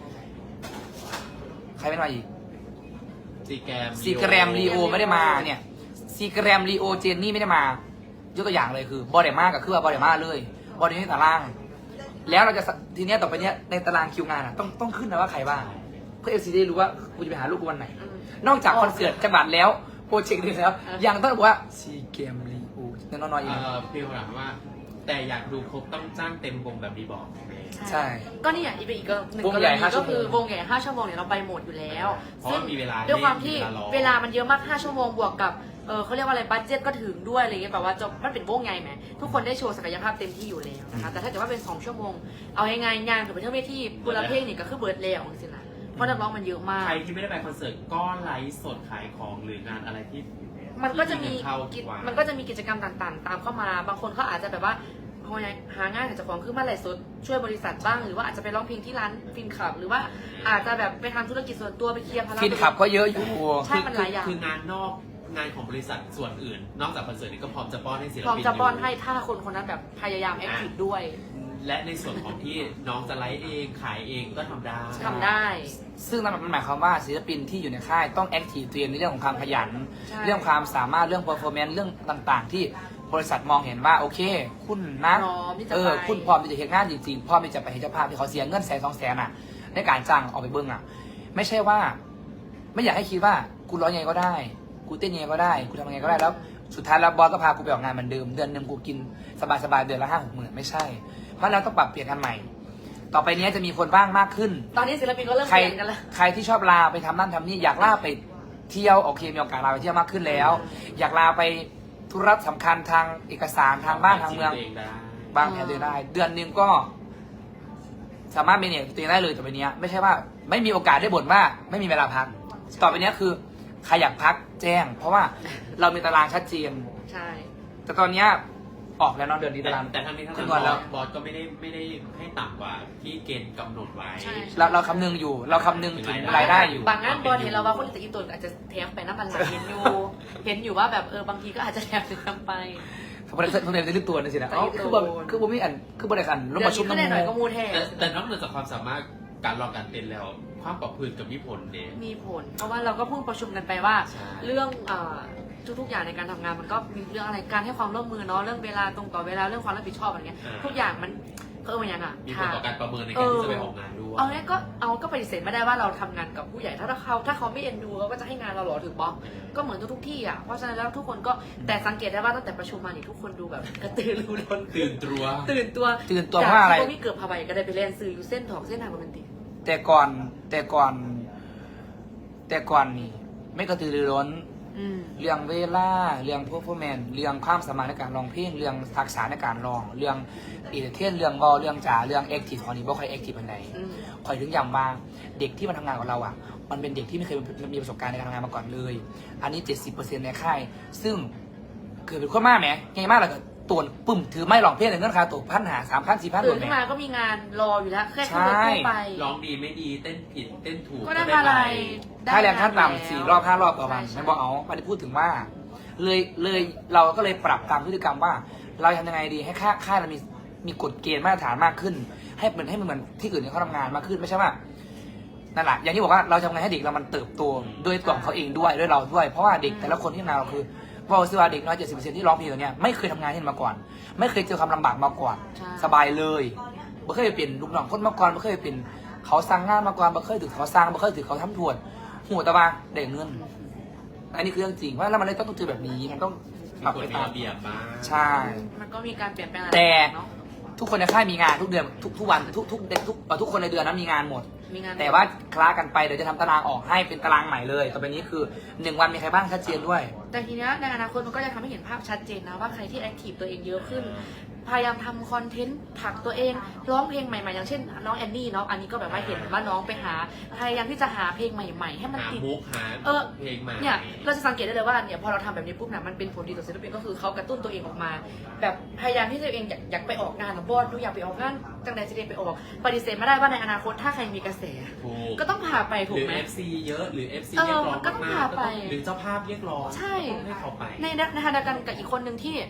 [SPEAKER 1] ใครไม่ได้มาอีก
[SPEAKER 3] ซีแกรม
[SPEAKER 1] ซีแกรมลีโอไม่ได้มาเนี่ยซีแกรมลีโอเจนนี่ไม่ได้มายกตัวอย่างเลยคือบอดเดมากับคือว่าบอดเดมาเลยบอดเดมาตาราง แล้วเราจะทีเนี้ยต่อไปเนี้ยในตารางคิวงานอ่ะต้องต้องขึ้นนะว่าใครบ้างเพื่อเอฟซีได้รู้ว่ากูจะไปหาลูกกูวันไหน นอกจากคอนเสิร์ตจังหวัดแล้วโปรเจกต์นี้แล้ว ยังต้องบอกว่าซีเกมลีโอน้อยๆอีก
[SPEAKER 3] เอ่อพี่ถามว่า แต่อยากดูครบต้องจ้างเต็มวงแบบดีบอก
[SPEAKER 1] ใช่
[SPEAKER 2] ก็นี่อย่างอีกอีกหนึ่ง
[SPEAKER 1] วง
[SPEAKER 2] กร
[SPEAKER 1] ใหญ่
[SPEAKER 2] ณี
[SPEAKER 1] ห้าชั่
[SPEAKER 2] ก็
[SPEAKER 1] วโมง
[SPEAKER 2] คือวงใหญ่ห้าชั่วโมงเนี่ยเราไปหมดอยู่แล้ว
[SPEAKER 3] เพราะว่ามีเวลา
[SPEAKER 2] ด้วยความที่
[SPEAKER 3] เล่นมีเวลาร้อง
[SPEAKER 2] เวลามันเยอะมากห้าชั่วโมงบวกกับเออเขาเรียกว่าอะไรบัตเจ็ตก็ถึงด้วยอะไรเงี้ยแบบว่าจะมันเป็นวงใหญ่ไหมทุกคนได้โชว์ศักยภาพเต็มที่อยู่แล้วนะคะแต่ถ้าเกิดว่าเป็นสองชั่วโมงเอายังไงงานกับเป็นเท่าที่บุรเพลงนี่ก็คือเบิร์ดแล้วจริงๆนะเพราะนักร้องมันเยอะมาก
[SPEAKER 3] ใครที่ไม่ได้ไปคอนเสิร์ตก็ไลฟ์สดขายของหรืองานอะไรที่
[SPEAKER 2] มันก็จะมี
[SPEAKER 3] เข้า
[SPEAKER 2] กิจ
[SPEAKER 3] กว่า
[SPEAKER 2] มันก็จะมีกิจกรรมต่างๆ ตามเข้ามา บางคนเขาอาจจะแบบว่าพอหางานหาเจ้าของขึ้นมาไลฟ์สดช่วยบริษัทบ้าง หรือว่าอาจจะไปร้องเพลงที่ร้านฟินคลับ หรือว่าอาจจะแบบไปทำธุรกิจส่วนตัวไปเคลียร์ภาระ
[SPEAKER 1] ฟินขับก็เยอะอยู่
[SPEAKER 2] ใช่มันหลายอย่าง
[SPEAKER 3] คืองานนอกงานของบริษัทส่วนอื่น นอกจากคอนเสิร์ตนี้ก็พร้อมจะป้อนให้ศิลปิน
[SPEAKER 2] พร้อมจะป้อน
[SPEAKER 3] ยู่
[SPEAKER 2] ให้ถ้าคนคนนั้นแบบพยายามแอคทีฟด้วย
[SPEAKER 3] และในส่วนของที่น้องจะไลฟ์เองขายเองก็ทำได้
[SPEAKER 2] ทำได้
[SPEAKER 1] ซึ่งนั่นมันหมายความว่าศิลปินที่อยู่ในค่ายต้องแอคทีฟตัวเองในเรื่องของความขยัน
[SPEAKER 2] ใช่
[SPEAKER 1] เรื่องความสามารถเรื่อง performance เรื่องต่างๆ ที่บริษัทมองเห็นว่าโอเค คุณนะ
[SPEAKER 2] พร้อมที่จะ
[SPEAKER 1] เอ
[SPEAKER 2] ไป
[SPEAKER 1] อคุณพร้อมที่จะเห็นงานจริงๆพร้อมที่จะไปเห็นเจ้าภาพที่เขาเสียเงินแสนสองแสนอ่ะ ในการจ้างออกไปเบิ้งอ่ะ ไม่ใช่ว่า ไม่อยากให้คิดว่ากูร้องยังไงก็ได้ กูเต้นยังไงก็ได้กูทำยังไงก็ได้แล้วสุดท้ายแล้วบอสก็พากูไปออกงานเหมือนเดิมเดือนหนึ่งกูกินสบายๆเดือนละห้าหกหมื่นไม่ใช่เพราะเราต้องปรับเปลี่ยนกันใหม่ ต่อไปนี้จะมีคนบ้างมากขึ้น
[SPEAKER 2] ตอนนี้ศิลปินก็เริ่ม
[SPEAKER 1] ใคร
[SPEAKER 2] เปลี่ยนกันแล้ว
[SPEAKER 1] ใครที่ชอบลาไปทำนั่นทำนี่อยากลาไปเที่ยวโอเคมีโอกาสลาไปเที่ยวมากขึ้นแล้ว อยากลาไปธุระสำคัญทางเอกสารทางบ้านทางเมือง
[SPEAKER 3] ชีวิตได้
[SPEAKER 1] บางแผนตัวเองได้ เดือนหนึงก็ สามารถเมเนจตัวเองได้เลยต่อไปนี้ไม่ใช่ว่า ไม่มีโอกาสได้บ่นว่าไม่มีเวลาพัก ต่อไปนี้คือใครอยากพักแจ้ง เพราะว่าเรามีตารางชัดเจน
[SPEAKER 2] ใช่
[SPEAKER 1] แต่ตอนเนี้ยออกแล้วเนาะเดือนนี้
[SPEAKER 3] แต่
[SPEAKER 1] ตาราง
[SPEAKER 3] แต่ทั้งนี้ทั้ง
[SPEAKER 1] คำน
[SPEAKER 3] นั้
[SPEAKER 1] วน
[SPEAKER 3] น
[SPEAKER 1] แล้ว
[SPEAKER 3] บอสก็ไม่ได้ไม่ได้ให้ต่ำกว่าที่เกณฑ์กำหนดไว้
[SPEAKER 2] ใช่
[SPEAKER 1] เราเราคำนึงอยู่ เราคำนึงถึงรายได้อยู่
[SPEAKER 2] บางงานบอลเห็นเราว่าคนที่จะอีตัวอาจจะแถมไปน้ำมันหลังเห็นอยู่ เห็นอยู่ว่าแบบเออบางทีก็อาจจะแถมถึงทำไป
[SPEAKER 1] เขาไม่ได้เขาไม่ได้ลึกตัวนั่นสินะ
[SPEAKER 2] แต่
[SPEAKER 1] อ๋อ
[SPEAKER 2] ลึกตัว
[SPEAKER 1] คือบ่คือบ่มีอันคือบ่ได้กันลง
[SPEAKER 2] เดี๋ยว
[SPEAKER 1] มาชุบ
[SPEAKER 2] นี้ก็
[SPEAKER 1] น้ำ
[SPEAKER 2] ได้หน่อยก็
[SPEAKER 1] มู
[SPEAKER 2] มูแทน
[SPEAKER 3] แต่แต่นอกเหนือจากความสามารถการลองการเต้นแล้ว ความปรับพื้นกับมีผลเด
[SPEAKER 2] มีผล เพราะว่าเราก็เพิ่งประชุมกันไปว่า
[SPEAKER 3] ใช่
[SPEAKER 2] เรื่องเอ่อทุกๆอย่างในการทำงานมันก็มีเรื่องอะไรการให้ความร่วมมือเนาะเรื่องเวลาตรงต่อเวลาเรื่องความรับผิดชอบอะไรเงี้ยทุกอย่างมันเออมันยังอ่ะ
[SPEAKER 3] มีผลต่อการประเมินในการที่จะไปออกงานด้วย
[SPEAKER 2] เอาเนี้ยก็เอาก็ปฏิเสธไม่ได้ว่าเราทำงานกับผู้ใหญ่ถ้าเขาถ้าเขาไม่เอ็นดูเขาก็จะให้งานเราหรอถึงบล็อกก็เหมือนทุกๆที่อ่ะเพราะฉะนั้นแล้วทุกคนก็แต่สังเกตได้ว่าตั้งแต่ประชุมมานี่ทุกคนดูแบบกระตือรือร้น
[SPEAKER 3] ตื่นตัว
[SPEAKER 2] ตื่นตัว
[SPEAKER 1] ตื่นตัวเพราะอะไร
[SPEAKER 2] จากที่มีเกือบพาไปก็ได้ไปเล่นซื้ออยู่เส้นถอกเส้นทางโรแมนติก
[SPEAKER 1] แต่ก่อนแต่ก่อน แต่ก่อนนี่ ไม่กระตือรือร้น
[SPEAKER 2] อืม
[SPEAKER 1] เรื่องเวลาเรื่องพวกพวกแมนเรื่องความสามารถในการร้องเพลงเรื่องทักษะในการร้อง เรื่องอีเทนเรื่องบอเรื่องจ๋าเรื่องแอคทีฟของนี้บ่ค่อยแอคทีฟอันไหน
[SPEAKER 2] อืม
[SPEAKER 1] คอยถึงย้ำว่าเด็กที่มาทำงานกับเราอ่ะ มันเป็นเด็กที่ไม่เคยมีประสบการณ์ในการทำงานมาก่อนเลย อันนี้ เจ็ดสิบเปอร์เซ็นต์ ในค่าย ซึ่งเกิดเป็นคนมากไหมไงมากเลยก็ตัวปุ่มถือไม่ร้องเพลงในเงื่อนค่าตัวพันหาสามพันสี่พันหม
[SPEAKER 2] ตื่
[SPEAKER 1] ด
[SPEAKER 2] น
[SPEAKER 1] ไหม
[SPEAKER 2] ขึ้นมาก็มีงานรออยู่แล้วแค่ขึ้นรถ
[SPEAKER 1] ใช่
[SPEAKER 2] ตู้ไป
[SPEAKER 3] ร้องดีไม่ดีเต้นผิดเต้นถูก
[SPEAKER 2] ก็ได้มาอะไรได้
[SPEAKER 1] ค่าแรงขั้น
[SPEAKER 2] งาน
[SPEAKER 1] ต่ำสี่รอบห้ารอบต่อวัน
[SPEAKER 2] ใช่
[SPEAKER 1] ไม่บอกเอาไม่ได้พูดถึงว่า เลยเลยเราก็เลยปรับตามพฤติกรรมว่า เราทำยังไงดีให้ค่าค่ายเรามีมีกฎเกณฑ์มาตรฐานมากขึ้น ให้เหมือนให้มันเหมือนที่อื่นที่เขาทำงานมากขึ้นไม่ใช่ว่านั่นแหละอย่างที่บอกว่าเราทำไงให้เด็กเรามันเติบโตด้วยตัวของเขาเองด้วยด้วยเราด้วย เพราะว่าเด็กแต่ละคนที่ทำงานเราคือบอกสิว่าเด็กน้อยเจ็ดสิบเปอร์เซ็นต์ที่ร้องเพลงตัวเนี้ยไม่เคยทำงานที่นี่มาก่อน ไม่เคยเจอความลำบากมาก่อน
[SPEAKER 2] ใช่
[SPEAKER 1] สบายเลยไม่เคยเป็นลูกน้องคนมาก่อนไม่เคยเป็นเขาสั่งงานมาก่อนไม่เคยถือเขาสร้างไม่เคยถือเขาทำถวดหัวตะบาได้เงิน อันนี้คือเรื่องจริงว่าแล้วมันเลยต้องเจอแบบนี้มันต้อง
[SPEAKER 3] มี
[SPEAKER 1] ปรับ
[SPEAKER 3] กฎ
[SPEAKER 1] ไป
[SPEAKER 3] มี
[SPEAKER 1] ตาม
[SPEAKER 3] ระเบียบบ้าง
[SPEAKER 1] ใช่
[SPEAKER 2] มันก็มีการเปลี่ยนแปลง
[SPEAKER 1] แต่
[SPEAKER 2] เนาะ
[SPEAKER 1] ทุกคนในค่ายมีงานทุกเดือนทุกทุกวันทุกทุกทุกเอ่อทุกคนในเดือนนั้นมีงานหมด
[SPEAKER 2] มีงาน
[SPEAKER 1] แต่ว่าคล้ากันไปเดี๋ยวจะทำตารางออกให้เป็นตารางใหม่เลยต่อไปนี้คือหนึ่งวันมีใครบ้างชัดเจนด้วย
[SPEAKER 2] แต่ทีเนี้ยในอนาคตมันก็จะทำให้เห็นภาพชัดเจนนะว่าใครที่แอคทีฟตัวเองเยอะขึ้น พยายามทำคอนเทนต์ผลักตัวเองร้องเพลงใหม่ๆ อย่างเช่นน้องแอนนี่เนาะอันนี้ก็แบบว่าเห็นว่าน้องไปหาพยายามที่จะหาเพลงใหม่ๆ ให้มัน
[SPEAKER 3] หา
[SPEAKER 2] ติด
[SPEAKER 3] มุกหา
[SPEAKER 2] เออ
[SPEAKER 3] เพลงใหม่
[SPEAKER 2] เนี่ยเราจะสังเกตได้เลยว่าเนี่ยพอเราทำแบบนี้ปุ๊บเนี่ยมันเป็นผลดีต่อศิลปินก็คือเขากระตุ้นตัวเองออกมา แบบพยายามที่ตัวเองอยากอยากไปออกงานบอสดูอยากไปออกงานจังใดจะได้ไปออกปฏิเสธไม่ได้ว่าในอนาคตถ้าใครมีกระแส
[SPEAKER 3] ถูก
[SPEAKER 2] ก็ต้องพาไป
[SPEAKER 3] ห
[SPEAKER 2] ถู
[SPEAKER 3] รื
[SPEAKER 2] ก
[SPEAKER 3] อ
[SPEAKER 2] ไหม
[SPEAKER 3] เอฟซีเยอะหรือ เอฟซี
[SPEAKER 2] เออ
[SPEAKER 3] เรียกร้อง
[SPEAKER 2] มันก็ต้อง
[SPEAKER 3] มากๆก็
[SPEAKER 2] พาไป
[SPEAKER 3] ต้องหรือเจ้าภาพเรียกร้อง
[SPEAKER 2] ใช่
[SPEAKER 3] ต้องให้เขาไป
[SPEAKER 2] ในในขณะเดียวกันกับอีกคนหนึ่งที่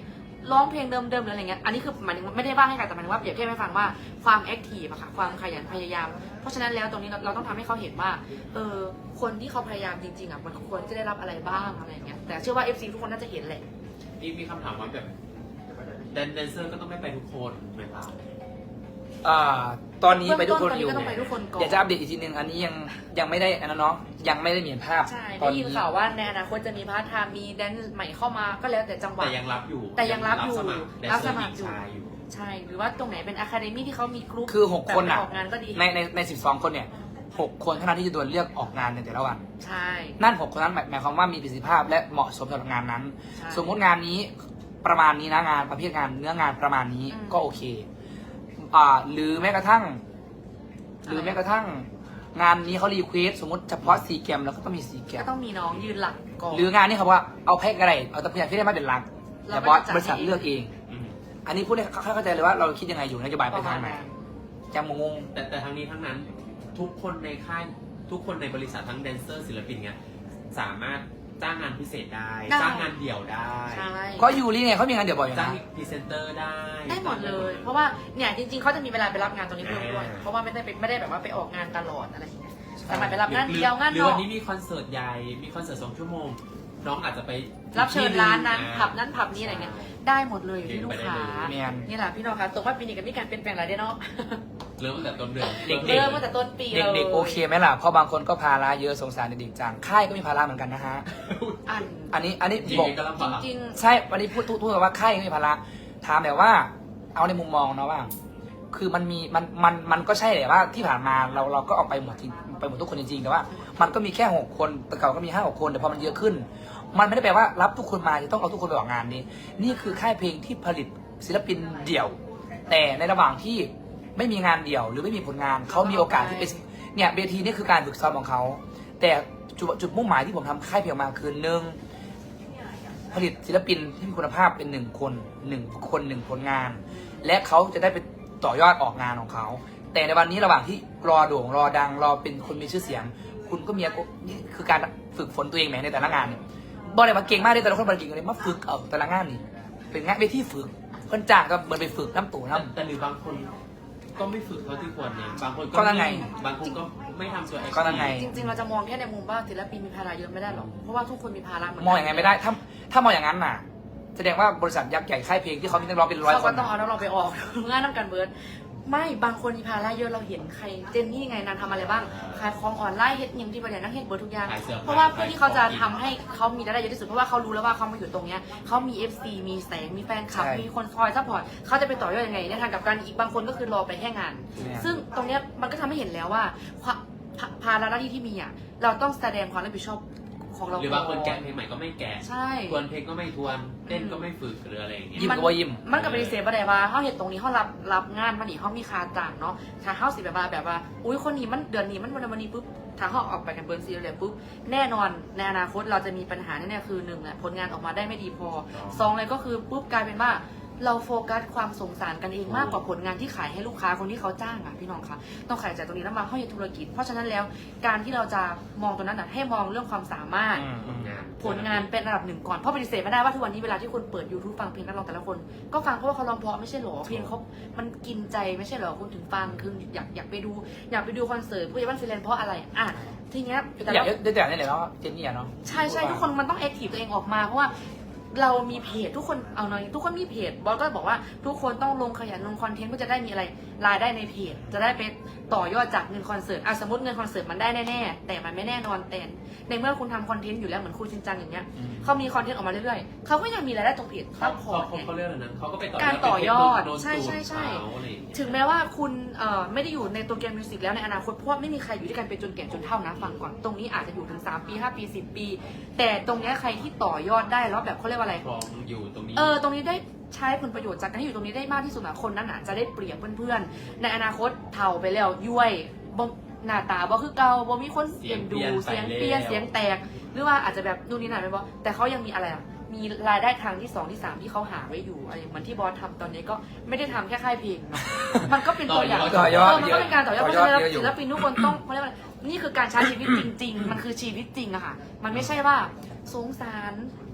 [SPEAKER 2] ร้องเพลงเดิมๆหรืออะไรเงี้ยอันนี้คือหมายถึงไม่ได้ว่าให้ใครแต่หมายถึงว่าเปรียบเทียบให้ฟังว่าความแอคทีฟอะค่ะความขยันพยายาม เพราะฉะนั้นแล้วตรงนี้เราเราต้องทำให้เขาเห็นว่าเออคนที่เขาพยายามจริงๆอะมันควรจะได้รับอะไรบ้างอะไรเงี้ยแต่เชื่อว่า เอฟ ซี ทุกคนน่าจะเห็นแหละ
[SPEAKER 3] นี่มีคำถามว่าแบบแดนแดนเซอร์ก็ต้องไม่ไปทุกคนไหมครับ
[SPEAKER 1] อ่าตอนนี้ไปทุกคน
[SPEAKER 2] ตอน
[SPEAKER 1] อ
[SPEAKER 2] นี้
[SPEAKER 1] ยู่
[SPEAKER 2] ก็ต้องไปทุกคนก่อน
[SPEAKER 1] เดี๋ยวจะอัปเดตอีกทีนึงอันนี้ยังยังไม่ได้อันนั้นเนาะยังไม่ได้เห็นภาพ
[SPEAKER 2] ใช่
[SPEAKER 1] ตอ
[SPEAKER 2] ได้
[SPEAKER 1] น
[SPEAKER 2] ยิ
[SPEAKER 1] นี้
[SPEAKER 2] นข่าวว่าในอนาคตจะมีพาร์ทไทม์มีแดนซ์ใหม่เข้ามาก็แล้วแต่จังหวะ
[SPEAKER 3] แต่ยังรับอยู่
[SPEAKER 2] แต่ยังรับอยู่
[SPEAKER 3] สมัครแดน
[SPEAKER 2] รับ
[SPEAKER 3] เซ
[SPEAKER 2] ส
[SPEAKER 3] อร์ห
[SPEAKER 2] มั
[SPEAKER 3] ญิ
[SPEAKER 2] ค
[SPEAKER 3] ง
[SPEAKER 2] รอยู่
[SPEAKER 3] ชายอยู่
[SPEAKER 2] ใช่หรือว่าตรงไหนเป็นอะคาเดมี่ที่เขามีกรุ๊ป
[SPEAKER 1] คือหกคน
[SPEAKER 2] แบบ
[SPEAKER 1] อ่ะ
[SPEAKER 2] ออกงานก็ดี
[SPEAKER 1] ในในในสิบสองคนเนี่ยหกคนเท่านั้นที่จะโดนเลือกออกงานในแต่ละวัน
[SPEAKER 2] ใช่
[SPEAKER 1] นั่นหกคนนั้นหมายหมายความว่ามีประสิทธิภาพและเหมาะสมสำหรับงานนั้น
[SPEAKER 2] ใช่
[SPEAKER 1] สมมติงานนี้ประมาณนี้นะงานประเภทงานเนื้องานประมาณนี้
[SPEAKER 2] อืม
[SPEAKER 1] ก็โอเคอ่าหรือแม้กระทั่ง หรือแม้กระทั่งงานนี้เขารีเควสสมมติเฉพาะสีแกรมแล้วก็ต้องมีสีแกร
[SPEAKER 2] ก็
[SPEAKER 1] ม
[SPEAKER 2] ต้องมีน้องยืนหลักก่อน
[SPEAKER 1] หรืองานนี้เขาบอกว่าเอาแพ็กอะไรเอาแต่พยานที่ได้มาเป็นหลัก
[SPEAKER 2] เรา
[SPEAKER 1] แต่
[SPEAKER 2] ก็
[SPEAKER 1] บอส
[SPEAKER 2] จะจัด
[SPEAKER 1] บริษัท
[SPEAKER 2] ให้
[SPEAKER 1] เลือกเอง
[SPEAKER 3] อืม
[SPEAKER 1] อันนี้พูดให้เขาเข้าใจเลยว่าเราคิดยังไงอยู่นโยบาย
[SPEAKER 2] ป
[SPEAKER 1] ไประ
[SPEAKER 2] มา
[SPEAKER 1] ทา
[SPEAKER 2] ณ
[SPEAKER 1] งไหน
[SPEAKER 2] นั้น
[SPEAKER 1] จะงง
[SPEAKER 3] แต่แต่ทั้งนี้ทั้งนั้นทุกคนในค่ายทุกคนในบริษัททั้งแดนเซอร์ศิลปินเนี่ยสามารถจ้างงานพิเศษได้
[SPEAKER 2] ได้
[SPEAKER 3] จ้างงานเดี่ยวได้
[SPEAKER 2] ใช่
[SPEAKER 1] ก็ยูริเนี่ยเขามีงานเดี๋ยวบ่อยอยู่
[SPEAKER 3] จ้าง
[SPEAKER 1] นะ
[SPEAKER 3] พรีเซนเตอร์ได้
[SPEAKER 2] ได้หมดเลย เพราะว่าเนี่ยจริงๆเขาจะมีเวลาไปรับงานตรงนี้เพิ่มด้วย
[SPEAKER 3] อ่า
[SPEAKER 2] เพราะว่าไม่ได้ไปไม่ได้แบบว่าไปออกงานตลอดอะไรอย่างเงี้ย
[SPEAKER 1] ใช่
[SPEAKER 2] สามารถไปรับงาน
[SPEAKER 3] หรือ
[SPEAKER 2] เดียวงาน
[SPEAKER 3] หรื
[SPEAKER 2] น
[SPEAKER 3] อ
[SPEAKER 2] อ
[SPEAKER 3] วั
[SPEAKER 2] ก
[SPEAKER 3] นนี้มีคอนเสิร์ตใหญ่มีคอนเสิร์ตสองชั่วโมง น้องอาจจะไป
[SPEAKER 2] รับเชิญร้านนั้น
[SPEAKER 3] อ่
[SPEAKER 2] ผับนั้นผับนี้อะไรเงี้ยได้หมดเลยอยู่ที่ลูกค้า
[SPEAKER 1] เนียน
[SPEAKER 2] นี่แหละพี่น้องคะตกว่าปีนี้ก็มีการเปลี่ยนแปลงอะไรได้เนาะ
[SPEAKER 3] เริ่มตั้งแต่ต้นเดือน
[SPEAKER 1] เด็ก
[SPEAKER 2] เริ่มตั้งแต่ต้นปีเลย
[SPEAKER 1] เด็กๆโอเคไหมล่ะเพราะบางคนก็ภาระเยอะสงสารเด็กๆจังค่ายก็มีภาระเหมือนกันนะฮะ
[SPEAKER 2] อัน
[SPEAKER 1] อันนี้อันนี้
[SPEAKER 3] จริง
[SPEAKER 1] บอก
[SPEAKER 3] ๆก็ลำบาก
[SPEAKER 2] จริง
[SPEAKER 1] ใช่วันนี้พูดพูดพูดว่าค่ายก็มีภาระถามแต่ว่า เอาในมุมมองเนาะว่า คือมันมีมันมันมันก็ใช่แหละว่าที่ผ่านมาเราเราก็ออกไปหมดจริงไปหมดทุกคนจริงๆแต่ว่า มันก็มีแค่หกคนแต่เก่าก็มีห้าหกคนแต่พอมันเยอะขึ้น มันไม่ได้แปลว่ารับทุกคนมาจะต้องเอาทุกคนไปออกงานนี้ นี่คือค่ายเพลงที่ผลิตศิลปินเดี่ยว แต่ในระหว่างที่ไม่มีงานเดี่ยว หรือไม่มีผลงานเขามีโอกาสที่ไปเนี่ยเวทีนี่คือการฝึกซ้อมของเขาแต่จุดจุดมุ่งหมายที่ผมทำค่ายเพลงมาคือหนึ่งผลิตศิลปินที่มีคุณภาพเป็นหนึ่งคนหนึ่งคนหนึ่งผลงาน และเขาจะได้ไปต่อยอดออกงานของเขา แต่ในวันนี้ระหว่างที่รอโด่งรอดังรอเป็นคนมีชื่อเสียง คุณก็มีนี่คือการฝึกฝนตัวเองแหมในแต่ละงานเนี่ยบอกเลยว่าเก่งมากเลยแต่ละคนบริเก่งเลยมาฝึกเอาแต่ละงานนี่เป็นงานไปที่ฝึกเพิ่นจ้างก็เหมือนไปฝึกน้ำตู่
[SPEAKER 3] แต่
[SPEAKER 1] น้ำ
[SPEAKER 3] แต่หรือบางคนก็ไม่ฝึกเท่าที่ควรนะบางคน
[SPEAKER 1] ก็นั่นไง
[SPEAKER 3] นิ่บางคนก็ไม่ทำตัวเอง
[SPEAKER 1] ก็นั่นไง
[SPEAKER 2] จริงๆ เราจะมองแค่ในมุมว่าศิลปินมีภาระเยอะไม่ได้หรอก เพราะว่าทุกคนมีภาระเหมือนกั
[SPEAKER 1] มองอย่างไงไม่ได้ ถ้าถ้ามองอย่างนั้นน่ะ แสดงว่าบริษัทยักษ์ใหญ่ค่ายเพลงที่เขามีนักร้องเป็นร้อย
[SPEAKER 2] เขา
[SPEAKER 1] ค
[SPEAKER 2] ก็
[SPEAKER 1] น
[SPEAKER 2] ต้องเอา
[SPEAKER 1] น่ะ
[SPEAKER 2] แล้วเราไปออก งานน้ำกันเบิร์ดไม่บางคนมีภาระเยอะเราเห็นใครเจนนี่ไงนางทำอะไรบ้างขายของออนไลน์เฮ็ดยิมที่ประเดี๋ยวนั่งเฮ็ดเบิร์ดทุกอย่าง
[SPEAKER 3] ขายสื้อผ้
[SPEAKER 2] เพราะว่าเพื่อที่เขาจะทำให้เขามีรายได้เยอะที่สุดเพราะว่าเขารู้แล้วว่าเขามาอยู่ตรงเนี้ยเขามี เอฟ ซี มีแสงมีแฟนคลับ
[SPEAKER 1] ใช่
[SPEAKER 2] มีคนคอยซัพพอร์ตเขาจะไปต่อยอดยังไงในทางกลับกันอีกบางคนก็คือรอไปแค่งาน
[SPEAKER 1] เนี่ย
[SPEAKER 2] ซึ่งตรงเนี้ยมันก็ทำให้เห็นแล้วว่าความภาภาระหน้าที่ที่มีอ่ะเราต้องแสดงความรับผิดชอบของเรา
[SPEAKER 3] หรือบางคน
[SPEAKER 2] ก่
[SPEAKER 3] แกะเพลงใหม่ก็ไม่แกะ
[SPEAKER 2] ใช่
[SPEAKER 3] ทวนเพลงก็ไม่ทวนเต้นก็ไม่ฝึกหรืออะไรอย่างเงี้ย
[SPEAKER 1] ยิ้มก็ว่ายิ้ม
[SPEAKER 2] มันกับปฏิเสธบ่ได้ว่าเขาเห็นตรงนี้เขารับรับงานมานี่เขามีค่าจ้างเนาะถ้าเขาสิแบบว่าแบบว่า อุ้ยคนนี้มันเดือนนี้มันวันวันนี้ปุ๊บถ้าเขาออกไปกันเบิร์นซีเลยปุ๊บแน่นอนในอนาคตเราจะมีปัญหาแน่ๆคือหนึ่งแหละผลงานออกมาได้ไม่ดีพอสองเลยก็คือปุ๊บกลายเป็นว่าเราโฟกัสความสงสารกันเองมากกว่าผลงานที่ขายให้ลูกค้าคนที่เขาจ้างอ่ะพี่น้องคะต้องขายจากตรงนี้แล้วมาเข้าในธุรกิจ เพราะฉะนั้นแล้วการที่เราจะมองตรงนั้นนะให้มองเรื่องความสามารถ
[SPEAKER 1] อืม
[SPEAKER 3] ผลงาน
[SPEAKER 2] ผลงานเป็นระดับหนึ่งก่อนเพราะปฏิเสธไม่ได้ว่าทุกวันนี้เวลาที่คนเปิด ยูทูบ ฟังเพลงนักร้องแต่ละคน ก็ฟังเพราะว่าเขาร้องเพราะไม่ใช่หรอเพลงเขามันกินใจไม่ใช่หรอคุณถึงฟังคืออยากอยากไปดูอยากไปดูคอนเสิร์ตผู้ใหญ่บ้านฟิแลนซ์เพราะอะไรอ่ะทีเนี้ยแต่
[SPEAKER 1] อยาก
[SPEAKER 2] เรา
[SPEAKER 1] ได้แต่นี่แหละเนาะเจนนี่อะเนาะ
[SPEAKER 2] ใช่ใช่ทุกคนมันต้องแอคทีฟตัวเองออกมาเพราะว่าเรามีเพจทุกคนเอาหน่อยทุกคนมีเพจบอสก็บอกว่าทุกคนต้องลงขยันลงคอนเทนต์เพื่อจะได้มีอะไรรายได้ในเพจจะได้ไปต่อยอดจากเงินคอนเสิร์ตอ่ะสมมติเงินคอนเสิร์ตมันได้แน่ๆแต่มันไม่แน่นอนแต่ในเมื่อคุณทำคอนเทนต์อยู่แล้วเหมือนคุณชินจังอย่างเงี้ย
[SPEAKER 1] อืม
[SPEAKER 2] เขามีคอนเทนต์ออกมาเรื่อยๆเขาก็ยังมีรายได้ตรงเพจซั
[SPEAKER 3] เขา
[SPEAKER 2] พพอ
[SPEAKER 3] เขา
[SPEAKER 2] ร์ตไง
[SPEAKER 3] เขาเรียกอะไรนะเขาก็ไปต่อยอด
[SPEAKER 2] การต่อยอด
[SPEAKER 3] เป็นเทคนิคโน้ต
[SPEAKER 2] ใช่ใช่ใช่
[SPEAKER 3] สูตรเขาอะไรอย่างเงี้ย
[SPEAKER 2] ถึงแม้ว่าคุณเอ่อไม่ได้อยู่ในตัวเกมมิวสิกแล้วในอนาคตเพราะว่าไม่มีใครอยู่ด้วยกันไปจนแก่จนเฒ่านะฟังก่อนตรงนี้อาจจะอยู่ถึงสามปีห้าปีสิบปี แต่ตรงเนี้ยใครที่ต่อยอดได้แล้วแบบเขาเรียกว่าอะไร
[SPEAKER 3] ครองอยู่ตรงนี้
[SPEAKER 2] เออ ตรงนี้ได้ใช้ผลประโยชน์จากการที่อยู่ตรงนี้ได้มากที่สุดอะคนนั้นอะจะได้เปรียบเพื่อนๆ ในอนาคตเฒ่าไปแล้วย้วยบ่หน้าตาบ่คือเก่าบ่มีคนเสียงดูเสียงเปลี่ยนเสียงแตก หรือว่าอาจจะแบบนู่นนี่นั่นไปบ่แต่เขายังมีอะไรอะมีรายได้ทางที่สองที่สามที่เขาหาไว้อยู่อะไรอย่างเหมือนที่บอสทำตอนนี้ก็ไม่ได้ทำแค่ค่ายเพลงเนอะมันก็เป็นตัวอย่าง
[SPEAKER 1] ต่อยอด
[SPEAKER 2] เมันก็เป็นการต่อยอดเพราะฉะนั้น
[SPEAKER 1] ต่อยอดเยอะอยู่
[SPEAKER 2] ศิลปินทุกคนต้องเขาเรียกว่านี่คือการใช้ชีวิตจริง ๆ มันคือชีวิตจริงอะค่ะ มันไม่ใช่ว่าสงสาร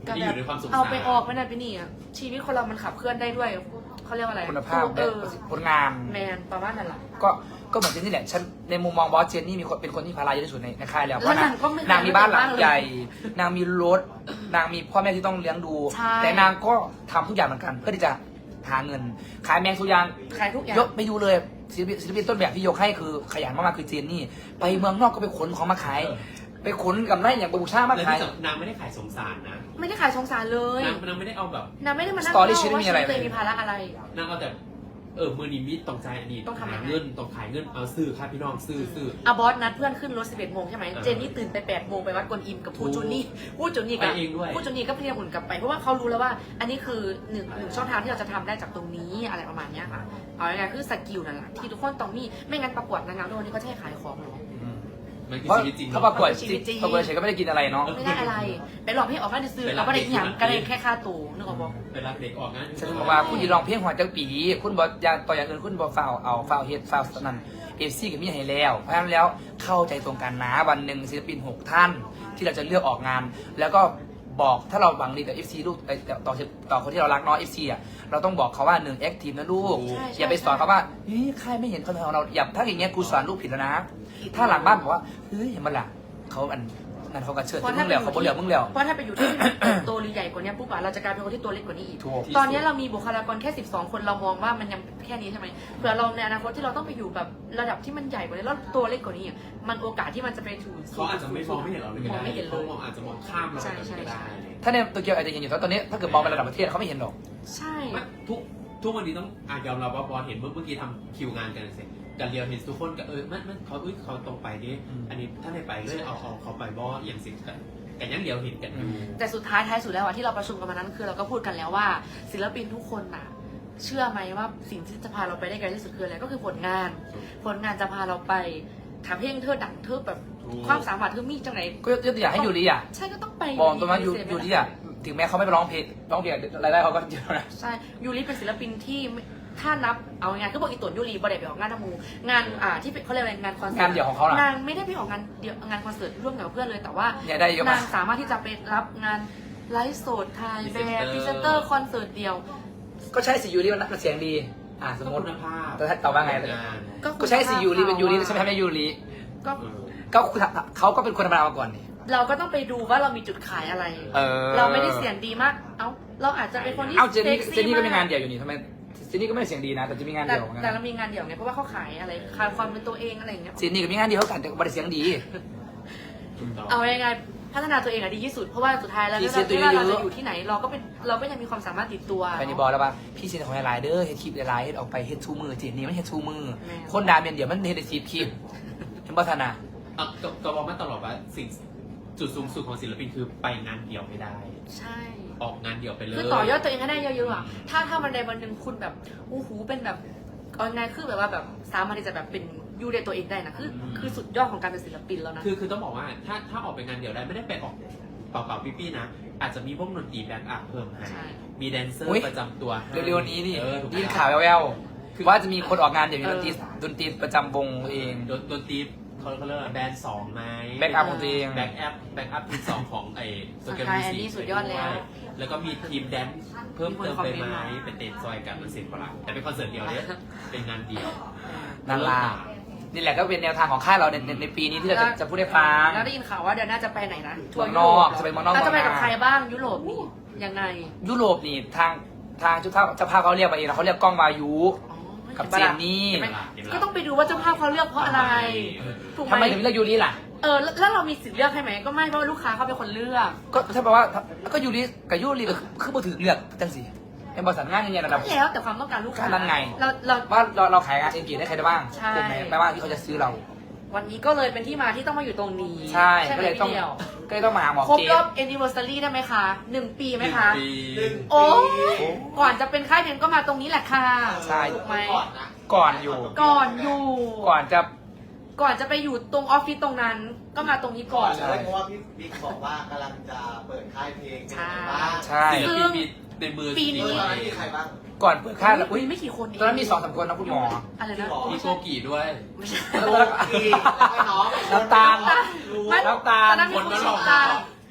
[SPEAKER 3] ที่อยู่ในความสงสาร
[SPEAKER 2] เอาไปออกไปนั่นไปนี่อะชีวิตคนเรามันขับเคลื่อนได้ด้วยเขาเรียกว่าอะไร
[SPEAKER 1] คุณภาพ
[SPEAKER 2] เออ
[SPEAKER 1] ผลงาน
[SPEAKER 2] แมนประมาณนั้นแหละ
[SPEAKER 1] ก็ก็เหมือนเจนนี่แหละฉันในมุมมองบอสเจนนี่มีคนเป็นคนที่ภาระเยอะที่สุดในในค่ายแล้วเพ
[SPEAKER 2] แล้ว
[SPEAKER 1] ราะนาง
[SPEAKER 2] นางก็ไม่
[SPEAKER 1] นางมีบ้านหลัง
[SPEAKER 2] ไม่
[SPEAKER 1] ใหญ่ นางมีรถนางมีพ่อแม่ที่ต้องเลี้ยงดู
[SPEAKER 2] ใช่
[SPEAKER 1] แต่นางก็ทำทุกอย่างเหมือนกัน เพื่อที่จะหาเงิน ขายแมงสุยาง
[SPEAKER 2] ขายทุกอย่าง
[SPEAKER 1] ยกไปดูเลยศิลปินศิลปินต้นแบบที่ยกให้คือขยันมากๆคือเจนนี่ ไปเมืองนอกก็ไปขนของมาขาย ไปขนกับไร่อย่างบูชามา
[SPEAKER 3] แล้ว
[SPEAKER 1] ขาย
[SPEAKER 3] ที่สำนางไม่ได้ขายสงสารนะ
[SPEAKER 2] ไม่ได้ขายสงสารเลย
[SPEAKER 3] นางนางไม่ได้เอาแบบ
[SPEAKER 2] นางไม่ได้มานั่ง
[SPEAKER 1] สตอรี่
[SPEAKER 2] เล่า
[SPEAKER 1] ชีวิต
[SPEAKER 2] ว่า
[SPEAKER 1] ไม่มี
[SPEAKER 2] ชี
[SPEAKER 1] อะไร
[SPEAKER 2] วิตตัวเองมีภาระอะไร
[SPEAKER 3] นางเอาแต่เออมือนิมิตต้องใจอันนี้
[SPEAKER 2] ต้องทำยังไง
[SPEAKER 3] หาเงินต้องขายเงินเอาซื้อค่ะพี่น้องซื้อซื้อ
[SPEAKER 2] อะบอสนัดเพื่อนขึ้นรถสิบเอ็ดโมงใช่ไหม
[SPEAKER 3] เออ
[SPEAKER 2] เจนนี่ตื่นไปแปดโมงไปวัดกวนอิมกับพู
[SPEAKER 3] ถูก
[SPEAKER 2] จูนี่พูจูนี่กับ
[SPEAKER 3] ไปเองด้วย
[SPEAKER 2] พูจูนี่ก็พยายามหมุนกลับไปเพราะว่าเขารู้แล้วว่า อันนี้คือหนึ่งหนึ่งช่องทางที่เราจะทำได้จากตรงนี้อะไรประมาณเนี้ยค่ะเอาง่ายๆคือสกิลนั่นแหละที่ทุกคนต้องมีไม่งั้นประกวดนางงามทุกวันนี้เขาจะให้ขายของเหรอ
[SPEAKER 3] มันคือ
[SPEAKER 1] เพราะ
[SPEAKER 3] ชีวิตจริง
[SPEAKER 1] ถ้า
[SPEAKER 3] เนาะ
[SPEAKER 1] ประกวด
[SPEAKER 2] มันคือชีวิตจริง
[SPEAKER 1] ประกวดเฉยก็ไม่ได้กินอะไรเนาะ
[SPEAKER 2] ไม่ได้อะไรไปหลอกให้ออกมาซื้อ
[SPEAKER 3] ไปรั
[SPEAKER 2] เรา
[SPEAKER 3] บ
[SPEAKER 2] ไม่ได้
[SPEAKER 3] เด็ก
[SPEAKER 2] หยัง
[SPEAKER 3] ที่ไหน
[SPEAKER 2] ก็ได้แค่ค่าตัวนึกออกปะ
[SPEAKER 3] เวลาเด็กออกงาน
[SPEAKER 1] ฉันบอกว่าคุณยีลองเพลงหัวจังปี คุณบอกอยางต่ออย่างอื่นคุณบอกฟาวเอาฟาวเฮดฟาวนั่นเอฟซีกับมีให้แล้ว เพราะฉะนั้นแล้วเข้าใจตรงกันนะวันหนึ่งศิลปินหกท่าน ที่เราจะเลือกออกงาน แล้วก็บอกถ้าเราหวังดีกับเอฟซีลูกเอ่อต่อต่อคนที่เรารักเนาะเอฟซีอ่ะเราต้องบอกเขาว่าหนึ่งแอคทีฟนะลูก อย่าไปสอนเขาว่าเฮ้ยใครไม่เห็นคนของเราอย่าถ้าอย่างเงี้ยกูสอนลูกผิดแล้วนะ ถ้าหลังบ้านบอกว่าเฮ้ยเห็นมันล่ะเขาอันนั่นเขากระเชิด
[SPEAKER 2] เพราะ
[SPEAKER 1] มึ
[SPEAKER 2] ถ้าง ไป
[SPEAKER 1] เหล
[SPEAKER 2] อ
[SPEAKER 1] ว
[SPEAKER 2] ยู่
[SPEAKER 1] เขาบ่เหลวมึงเหลว
[SPEAKER 2] เพราะถ้าไปอยู่ที่ที่มันโตหรือใหญ่กว่านี้ปุ๊บอะเราจะกลายเป็นคนที่ตัวเล็กกว่านี้อีก
[SPEAKER 1] ถูก
[SPEAKER 2] ตอนนี้เรามีบุคลากรแค่สิบสองคนเรามองว่ามันยังแค่นี้ใช่ไหมเผื่อเราในอนาคตที่เราต้องไปอยู่แบบระดับที่มันใหญ่กว่านี้แล้วตัวเล็กกว่านี้อะมันโอกาสที่มันจะไปถึง
[SPEAKER 3] เขาอาจจะไม่มองไม่เห็นเราเลยก็
[SPEAKER 2] มอง
[SPEAKER 3] ได้
[SPEAKER 2] ไม่เห็นเล
[SPEAKER 3] เขา
[SPEAKER 2] ย
[SPEAKER 3] มองอาจจะมองข้ามเรา
[SPEAKER 2] ใช่
[SPEAKER 3] ไป
[SPEAKER 2] ใช่
[SPEAKER 3] ก็ได้
[SPEAKER 1] ถ้าในโตเกียวอาจจะเห็นอยู่แต่ตอนนี้ถ้าเกิดมองไประดับประเทศเขาไม่เห็นหรอก
[SPEAKER 2] ใช่
[SPEAKER 3] ไม่ทุกทุกวันนี้ต้องอ่ะยอมรับว่าบอลเห็นเมื่อเมื่อกี้ทำคิวงานกันเสร็จกันเรียวเห็นทุกคนก็เออมันมันเขาเอ้ยเขาตรงไปดิ
[SPEAKER 1] อืม
[SPEAKER 3] อันนี้ถ้าไม่ไปเลยเอาเอาเขาไปบออย่างสิกันกันยังเดียวเห็นกันอยู่
[SPEAKER 2] แต่สุดท้ายท้ายสุดแล้วอะที่เราประชุมกันมานั้นคือเราก็พูดกันแล้วว่า ศิลปินทุกคนน่ะ เชื่อไหมว่าสิ่งที่จะพาเราไปได้ไกลที่สุดคืออะไรก็คือผลงาน ผลงานจะพาเราไปทำเพลงเธอดังเธอแบบ
[SPEAKER 3] ถูก
[SPEAKER 2] ความสามารถเธอมีจังไหน
[SPEAKER 1] ก็ยกตัวอย่างให้ยูริอ่ะ
[SPEAKER 2] ใช่ก็ต้องไป
[SPEAKER 1] บอกตรงนั้นยูยูริอ่ะถึงแม้เขาไม่ไปร้องเพลงร้องเพลงรายได้เขาก็เยอะนะ
[SPEAKER 2] ใช่ยูริเป็นศิลปินที่ไม่ถ้านับเอางานก็บอกอีตุนยูริบอดไปออกงานทำมูงานอ่าที่เป็นเขาเรียกอะไรงานคอนเสิร์ต
[SPEAKER 1] งานเดี่ยวของเขาล่ะ
[SPEAKER 2] นางไม่ได้ไปออกงานเดี่ยวงานคอนเสิร์ตร่วมกับเพื่อนเลยแต่ว่า
[SPEAKER 1] เนี่ยได้เยอะมาก
[SPEAKER 2] นางสามารถที่จะไปรับงานไลฟ์สดถ่ายแบบพรีเซนเตอร์คอนเสิร์ตเดียว
[SPEAKER 1] ก็ใช่สิยูริมันเสียงดี อ่าสมมติ
[SPEAKER 3] คุณภาพ
[SPEAKER 1] แต่ถ้าตอบว่าไง
[SPEAKER 3] งาน
[SPEAKER 1] ก็ใช่สิยูริเป็นยูริใช่ไหมไม่ยูริ
[SPEAKER 2] ก็
[SPEAKER 3] เออ
[SPEAKER 1] ก็เขาก็เป็นคนธรรมดามาก่อนนี่
[SPEAKER 2] เราก็ต้องไปดูว่าเรามีจุดขายอะไร
[SPEAKER 1] เออ
[SPEAKER 2] เราไม่ได้เสียงดีมาก เอ้า เราอาจจะเป็นคนที่
[SPEAKER 1] เอ้าเจนนี่
[SPEAKER 2] ซ็ซี่
[SPEAKER 1] เจนนี่ก็มีงาน
[SPEAKER 2] ม
[SPEAKER 1] เดี่ยวอยู่นี่ทำไมเจนนี่ก็ไม่ได้เสียงดีนะ แต่จะมีงาน
[SPEAKER 2] แต่
[SPEAKER 1] เดี่ยวเหมือน
[SPEAKER 2] แต่
[SPEAKER 1] กัน
[SPEAKER 2] เรามีงานเดี่ยวไงเพราะว่าเขาขายอะไรขายความเป็นตัวเองอะไรอย่างเงี้ย
[SPEAKER 1] เจนนี่ก็มีงานเดียวกันแต่ก็ไม่ได้เสียงดี
[SPEAKER 3] ถูกต้อง
[SPEAKER 2] เอายังไงพัฒนาตัวเองอะดีที่สุดเพราะว่าสุดท้ายแล้ว
[SPEAKER 1] พรี
[SPEAKER 2] ไม่
[SPEAKER 1] เซนต์ตัว
[SPEAKER 2] ว่าเรา
[SPEAKER 1] เย
[SPEAKER 2] จะ
[SPEAKER 1] อะ
[SPEAKER 2] อยู่ที่ไหนเราก็เป็นเราก็ยังมีความสามารถติดตัว
[SPEAKER 1] ไปนี่บอกแล้วว่าพี่เซนของไลน์เด้อเฮ็ดคลิปไลน์เฮ็ดออกไปเฮ็ดชูมือเจนนี่มันเฮ็ดชูมือ
[SPEAKER 2] แม่
[SPEAKER 1] คนดาเมียนเดี๋ยวมันเฮ็ดได้สิบคลิปเห็นพัฒนา
[SPEAKER 3] อ่ะก็ก็บอกมาตลอดว่าสิ่งจุดสูงสุดของศิลปินคือไปงานเดี่ยวไม่ได้
[SPEAKER 2] ใช่
[SPEAKER 3] ออกงานเดี่ยวไปเลย
[SPEAKER 2] คือต่อยอดตัวเองให้ได้เยอะๆอะถ้าถ้าวันใดวันหนึ่งคุณแบบอู้หูเป็นแบบเอาไงคือแบบว่าแบบสามารถที่จะแบบเป็นยูเดตัวเองได้นะคือคือสุดยอดของการเป็นศิลปินแล้วนะ
[SPEAKER 3] คือคือต้องบอกว่าถ้าถ้าออกไปงานเดี่ยวได้ไม่ได้ไปออกเปล่าๆปี้ๆนะ อาจจะมีวงดนตรีแบ็กอัพเพิ่มให้
[SPEAKER 2] ใช่
[SPEAKER 3] มีแดนเซอ
[SPEAKER 1] อุ๊ย
[SPEAKER 3] ร์ประจำตัวให้
[SPEAKER 1] เร็วๆนี้นี่
[SPEAKER 3] เออถูกไหม
[SPEAKER 1] ได้ยินข่าวแววๆว่าจะมีคนออกงานเดี๋ยวมีดนตรีดนตรีประจำวงตัวเอง
[SPEAKER 3] ดนดนตรีเขาเขาเรียกว่าแบรนด์สองไหม
[SPEAKER 1] แบ็กอัพของตัวเอง
[SPEAKER 3] แบ็กอัพแบ็กอัพทีมสองของไอ้โซเกม
[SPEAKER 2] ใช่
[SPEAKER 3] มิ
[SPEAKER 2] อัน
[SPEAKER 3] สิ
[SPEAKER 2] นี้สุดยอดแล้ว
[SPEAKER 3] แล้วก็มีทีมแดนซ์เพิ่มเติมไปไหม
[SPEAKER 2] มีคนคอมเมนต์มา
[SPEAKER 3] เป็นเต้นซอยกันมันเสร็จเปล่าแต่เป็นคอนเสิร์ตเดียวเนี่ยเป็นงานเดียว
[SPEAKER 1] นั่นล่ะนี่แหละก็เป็นแนวทางของค่ายเราในในในปีนี้ที่เราจะจะพูดให้ฟัง
[SPEAKER 2] แล้วได้ยินข่าวว่าเดือนหน้าจะไปไหนนะ
[SPEAKER 1] เมืองนอกจะไปเมืองนอก
[SPEAKER 2] แล้วจะไป
[SPEAKER 1] เมืองนา
[SPEAKER 2] กับใครบ้างยุโรปนี่ยังไง
[SPEAKER 1] ยุโรปนี่ทางทางเจ้าภาพเจ้าภาพเขาเรียกมาเองนะเขาเรียกกล้องวายุ
[SPEAKER 2] อ๋อ
[SPEAKER 1] กับเจนนี่
[SPEAKER 2] ห็ไหมก็ต้องไปดูว่าเจ้าภาพเขาเลือกเพราะอะไรถูกไห
[SPEAKER 1] ทำไม
[SPEAKER 2] ม
[SPEAKER 1] ถึงเลือกยูริล่ะ
[SPEAKER 2] เออแล้วแล้วเรามีสิทธิ์เลือกให้ไหมก็ไม่เพราะว่าลูกค้าเขาเป็นคนเลือก
[SPEAKER 1] ก็ถ้าแปลว่าก็ยูริกับยูริก็คือคือบ่ถือเลือกจังสิเป็นบริษัทงานยังไงระดับ
[SPEAKER 2] แล้วแต่ความต้องการลูกค้า
[SPEAKER 1] นั่นไง
[SPEAKER 2] เราเรา
[SPEAKER 1] ว่าเราเราขายงานเองกี่ได้ใครได้บ้าง
[SPEAKER 2] ใช่
[SPEAKER 1] ถูกไหมแปลว่าที่เขาจะซื้อเรา
[SPEAKER 2] วันนี้ก็เลยเป็นที่มาที่ต้องมาอยู่ตรงนี้
[SPEAKER 1] ใช่
[SPEAKER 2] ไหม
[SPEAKER 1] ก็เลยต้อง
[SPEAKER 2] พี่ดีว
[SPEAKER 1] ก็เลยต้องมาหาหมอ
[SPEAKER 2] ครบ
[SPEAKER 1] เก
[SPEAKER 2] รอ
[SPEAKER 1] ม
[SPEAKER 2] บ anniversary ได้ไหมคะหนึ่งปีไหมคะ
[SPEAKER 3] ปี
[SPEAKER 2] โอ้ก่อนจะเป็นค่ายเพลงก็มาตรงนี้แหละค่ะ
[SPEAKER 1] ใช่
[SPEAKER 2] ถูกไหม
[SPEAKER 1] ก่อนอยู่
[SPEAKER 2] ก่อนอยู่
[SPEAKER 1] ก่อนจะ
[SPEAKER 2] ก่อนจะไปอยู่ตรงออฟฟิศตรงนั้น ก็มาตรงนี้ก่อน
[SPEAKER 1] ใช่
[SPEAKER 4] เลยเพราะว่าพี่บิ๊กบอกว่ากำลังจะเปิดค่ายเพลงเป็นยังไงบ้าง
[SPEAKER 1] ใช่
[SPEAKER 3] ศิลปินมีในมือ
[SPEAKER 2] ปีนี้
[SPEAKER 4] เปิดตอนนั้นมีใครบ้าง
[SPEAKER 1] ก่อนเปิดค่ายแล้วอุ้ย
[SPEAKER 2] มีไม่กี่คนเอง
[SPEAKER 1] ตอนนั้นมีสองสามคนนะคุณหมอ
[SPEAKER 2] อะไรนะ
[SPEAKER 3] มีโกกีด้วย
[SPEAKER 2] ไม่ใช่
[SPEAKER 1] แล้วก็
[SPEAKER 4] อีกแล้วก็น้อง
[SPEAKER 1] น้ำตาล
[SPEAKER 2] ไม่
[SPEAKER 1] น้ำตาล
[SPEAKER 2] ตอนนั้นมี
[SPEAKER 3] คน
[SPEAKER 2] คุณ
[SPEAKER 3] นั้น
[SPEAKER 2] ช
[SPEAKER 3] หรอ
[SPEAKER 2] ตา
[SPEAKER 3] ม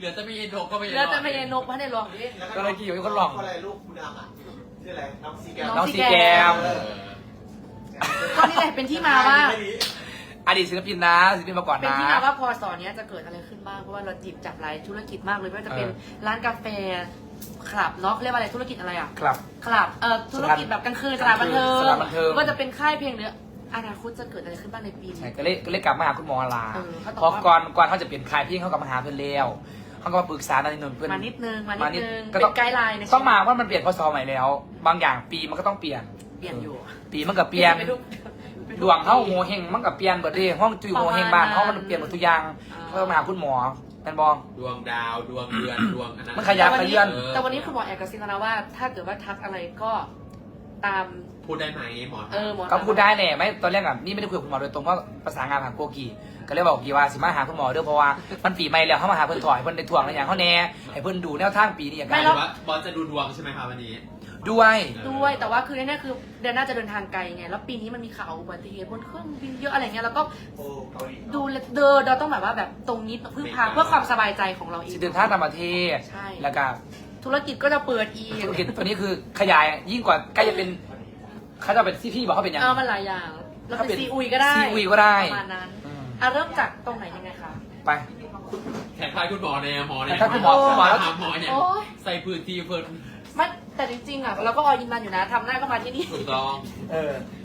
[SPEAKER 3] เหลือจะไม่เย็นโดก็ไม่เย็น
[SPEAKER 2] แล้วจะไม่เย็นนกพันในรองด้วย
[SPEAKER 1] ก็เลยกี่อยู่มีคนหลอก
[SPEAKER 4] อะไรลูกคุณดำอ่ะชื่ออะไรน้องซีแกม
[SPEAKER 1] น้องซีแกม
[SPEAKER 3] เออ
[SPEAKER 2] ก็นี่แหละเป็นที่มาว่า
[SPEAKER 1] อดีตศิลปินนะศิลปินมาก่อน
[SPEAKER 2] เป็น
[SPEAKER 1] นะ
[SPEAKER 2] ที่มาว่าพอสอนเนี้ยจะเกิดอะไรขึ้นบ้างเพราะว่าเราจีบจับหลายธุรกิจมากเลยไม่ว่าจะเป็น
[SPEAKER 1] เออ
[SPEAKER 2] ร้านกาแฟคลับเนาะเรียกว่าอะไรธุรกิจอะไรอ่ะ
[SPEAKER 1] ครับ
[SPEAKER 2] คลับเอ่อธุรกิจแบบกลางคืนสถานบันเทิง
[SPEAKER 1] สถานบันเทิง
[SPEAKER 2] ก็จะเป็นค่ายเพลงหรืออนาคตจะเกิดอะไรขึ้นบ้างในปี
[SPEAKER 1] ใช่
[SPEAKER 2] นี้
[SPEAKER 1] ก็เลยก็เลยกลับมาหาคุณหมอลา
[SPEAKER 2] เออเขาตอบ
[SPEAKER 1] เพราะ
[SPEAKER 2] ว่า
[SPEAKER 1] ก่อนก่อนเขาจะเปลี่ยนคลายพี่เขากลับมาหาเพื่อนแล้วเขาก็มาปรึกษาในนนเพื่อน
[SPEAKER 2] มานิดนึงมานิ
[SPEAKER 1] มา
[SPEAKER 2] ด
[SPEAKER 1] นิด
[SPEAKER 2] นึง
[SPEAKER 1] ก็
[SPEAKER 2] เป็
[SPEAKER 1] ต้อง
[SPEAKER 2] นไกด์ไลน์ใน
[SPEAKER 1] ต้องมาว่ามันเปลี่ยนพศใหม่แล้ว บางอย่างปีมันก็ต้องเปลี่ยน
[SPEAKER 2] เปลี่ยนอยู่
[SPEAKER 1] ปีมันก็เปลี่ยน
[SPEAKER 2] ไปดูไป
[SPEAKER 1] ดวงเข้าโงเฮงมันก็เปลี่ยนเบิดเลยห้องจุยโงเฮงบ้านเขามันเปลี่ยนหมดทุกอย่าง
[SPEAKER 2] อ่า
[SPEAKER 1] ก็ต้องมาหาคุณหมอเป็นบอ
[SPEAKER 3] ดวงดาวดวงเดือนดวงอันนั้น
[SPEAKER 1] มันขยับ
[SPEAKER 2] แต่วัน
[SPEAKER 1] ขยื่
[SPEAKER 2] นี้
[SPEAKER 1] น
[SPEAKER 2] แต่วันนี้คุณหมอแอบกระซิบมาแล้วว่า ถ้าเกิดว่าทักอะไรก็ตาม
[SPEAKER 3] พูดได้ไหมหมอ
[SPEAKER 2] เออหมอ
[SPEAKER 1] ก็พูดได้แหละไม่ตอนแรกอ่ะนี่ไม่ได้คุยกับคุณหมอโดยตรงว่าประสานงานผ่านโกกีก็เลยบอกกีว่าสิมาหาคุณหมอเด้อเพราะว่ามันปีใหม่แล้วเขามาหาเพื่อนถอยเพื่อนในถ่วงอะไรอย่างเขาแน่ให้เพื่อนดูแนวทางปีนี้อย่าง
[SPEAKER 3] หมา
[SPEAKER 1] ไร
[SPEAKER 3] ยถึงว่าบอสจะดูดวงใช่ไหมคะวันนี้
[SPEAKER 1] ด้วย
[SPEAKER 2] ด้วยแต่ว่าคือแน่ๆคือเดือนหน้าจะเดินทางไกลไงแล้วปีนี้มันมีข่าวอุบัติเหตุบนเครื่องบินเยอะอะไรเงี้ยแล้วก็
[SPEAKER 4] โอ้เกาหลี
[SPEAKER 2] ดูเดินเราต้องแบบว่าแบบตรงนี้พึ่งพาเพื่อความสบายใจของเราเอง
[SPEAKER 1] สิเดินทางต่างประเทศ
[SPEAKER 2] ใช่
[SPEAKER 1] แล้วก็
[SPEAKER 2] ธุรกิจก็จะเปิดอีก
[SPEAKER 1] ธุรกิจตัวนี้คือขยายยิ่งกว่าใกล้จะเป็นเขาจะเป็นซีพี่บอกเขาเป็นยัง
[SPEAKER 2] เออมันหลายอย่างแล้ว
[SPEAKER 1] ถ้าเป็
[SPEAKER 2] เป็น นซีอุยก็ได้
[SPEAKER 1] ซีอุยก็ได้
[SPEAKER 2] ประมาณนั้น
[SPEAKER 1] อืม
[SPEAKER 2] อ่ะเริ่มจากตรงไหนยังไงคะ
[SPEAKER 1] ไป
[SPEAKER 3] แขกทายคุณหมอเนี่ยหมอเนี่ย
[SPEAKER 1] แขกทายคุณหมอคุณหมอแล้ว
[SPEAKER 3] ถามหมอเนี่ย
[SPEAKER 2] โอ๊ย
[SPEAKER 3] ใส่พื้นที่เพิ่น
[SPEAKER 2] ไม่แต่จริงๆอ่ะเราก็ออยินมันอยู่นะทำได้ก็มาที่นี่
[SPEAKER 3] ถูกต้อง
[SPEAKER 1] เออ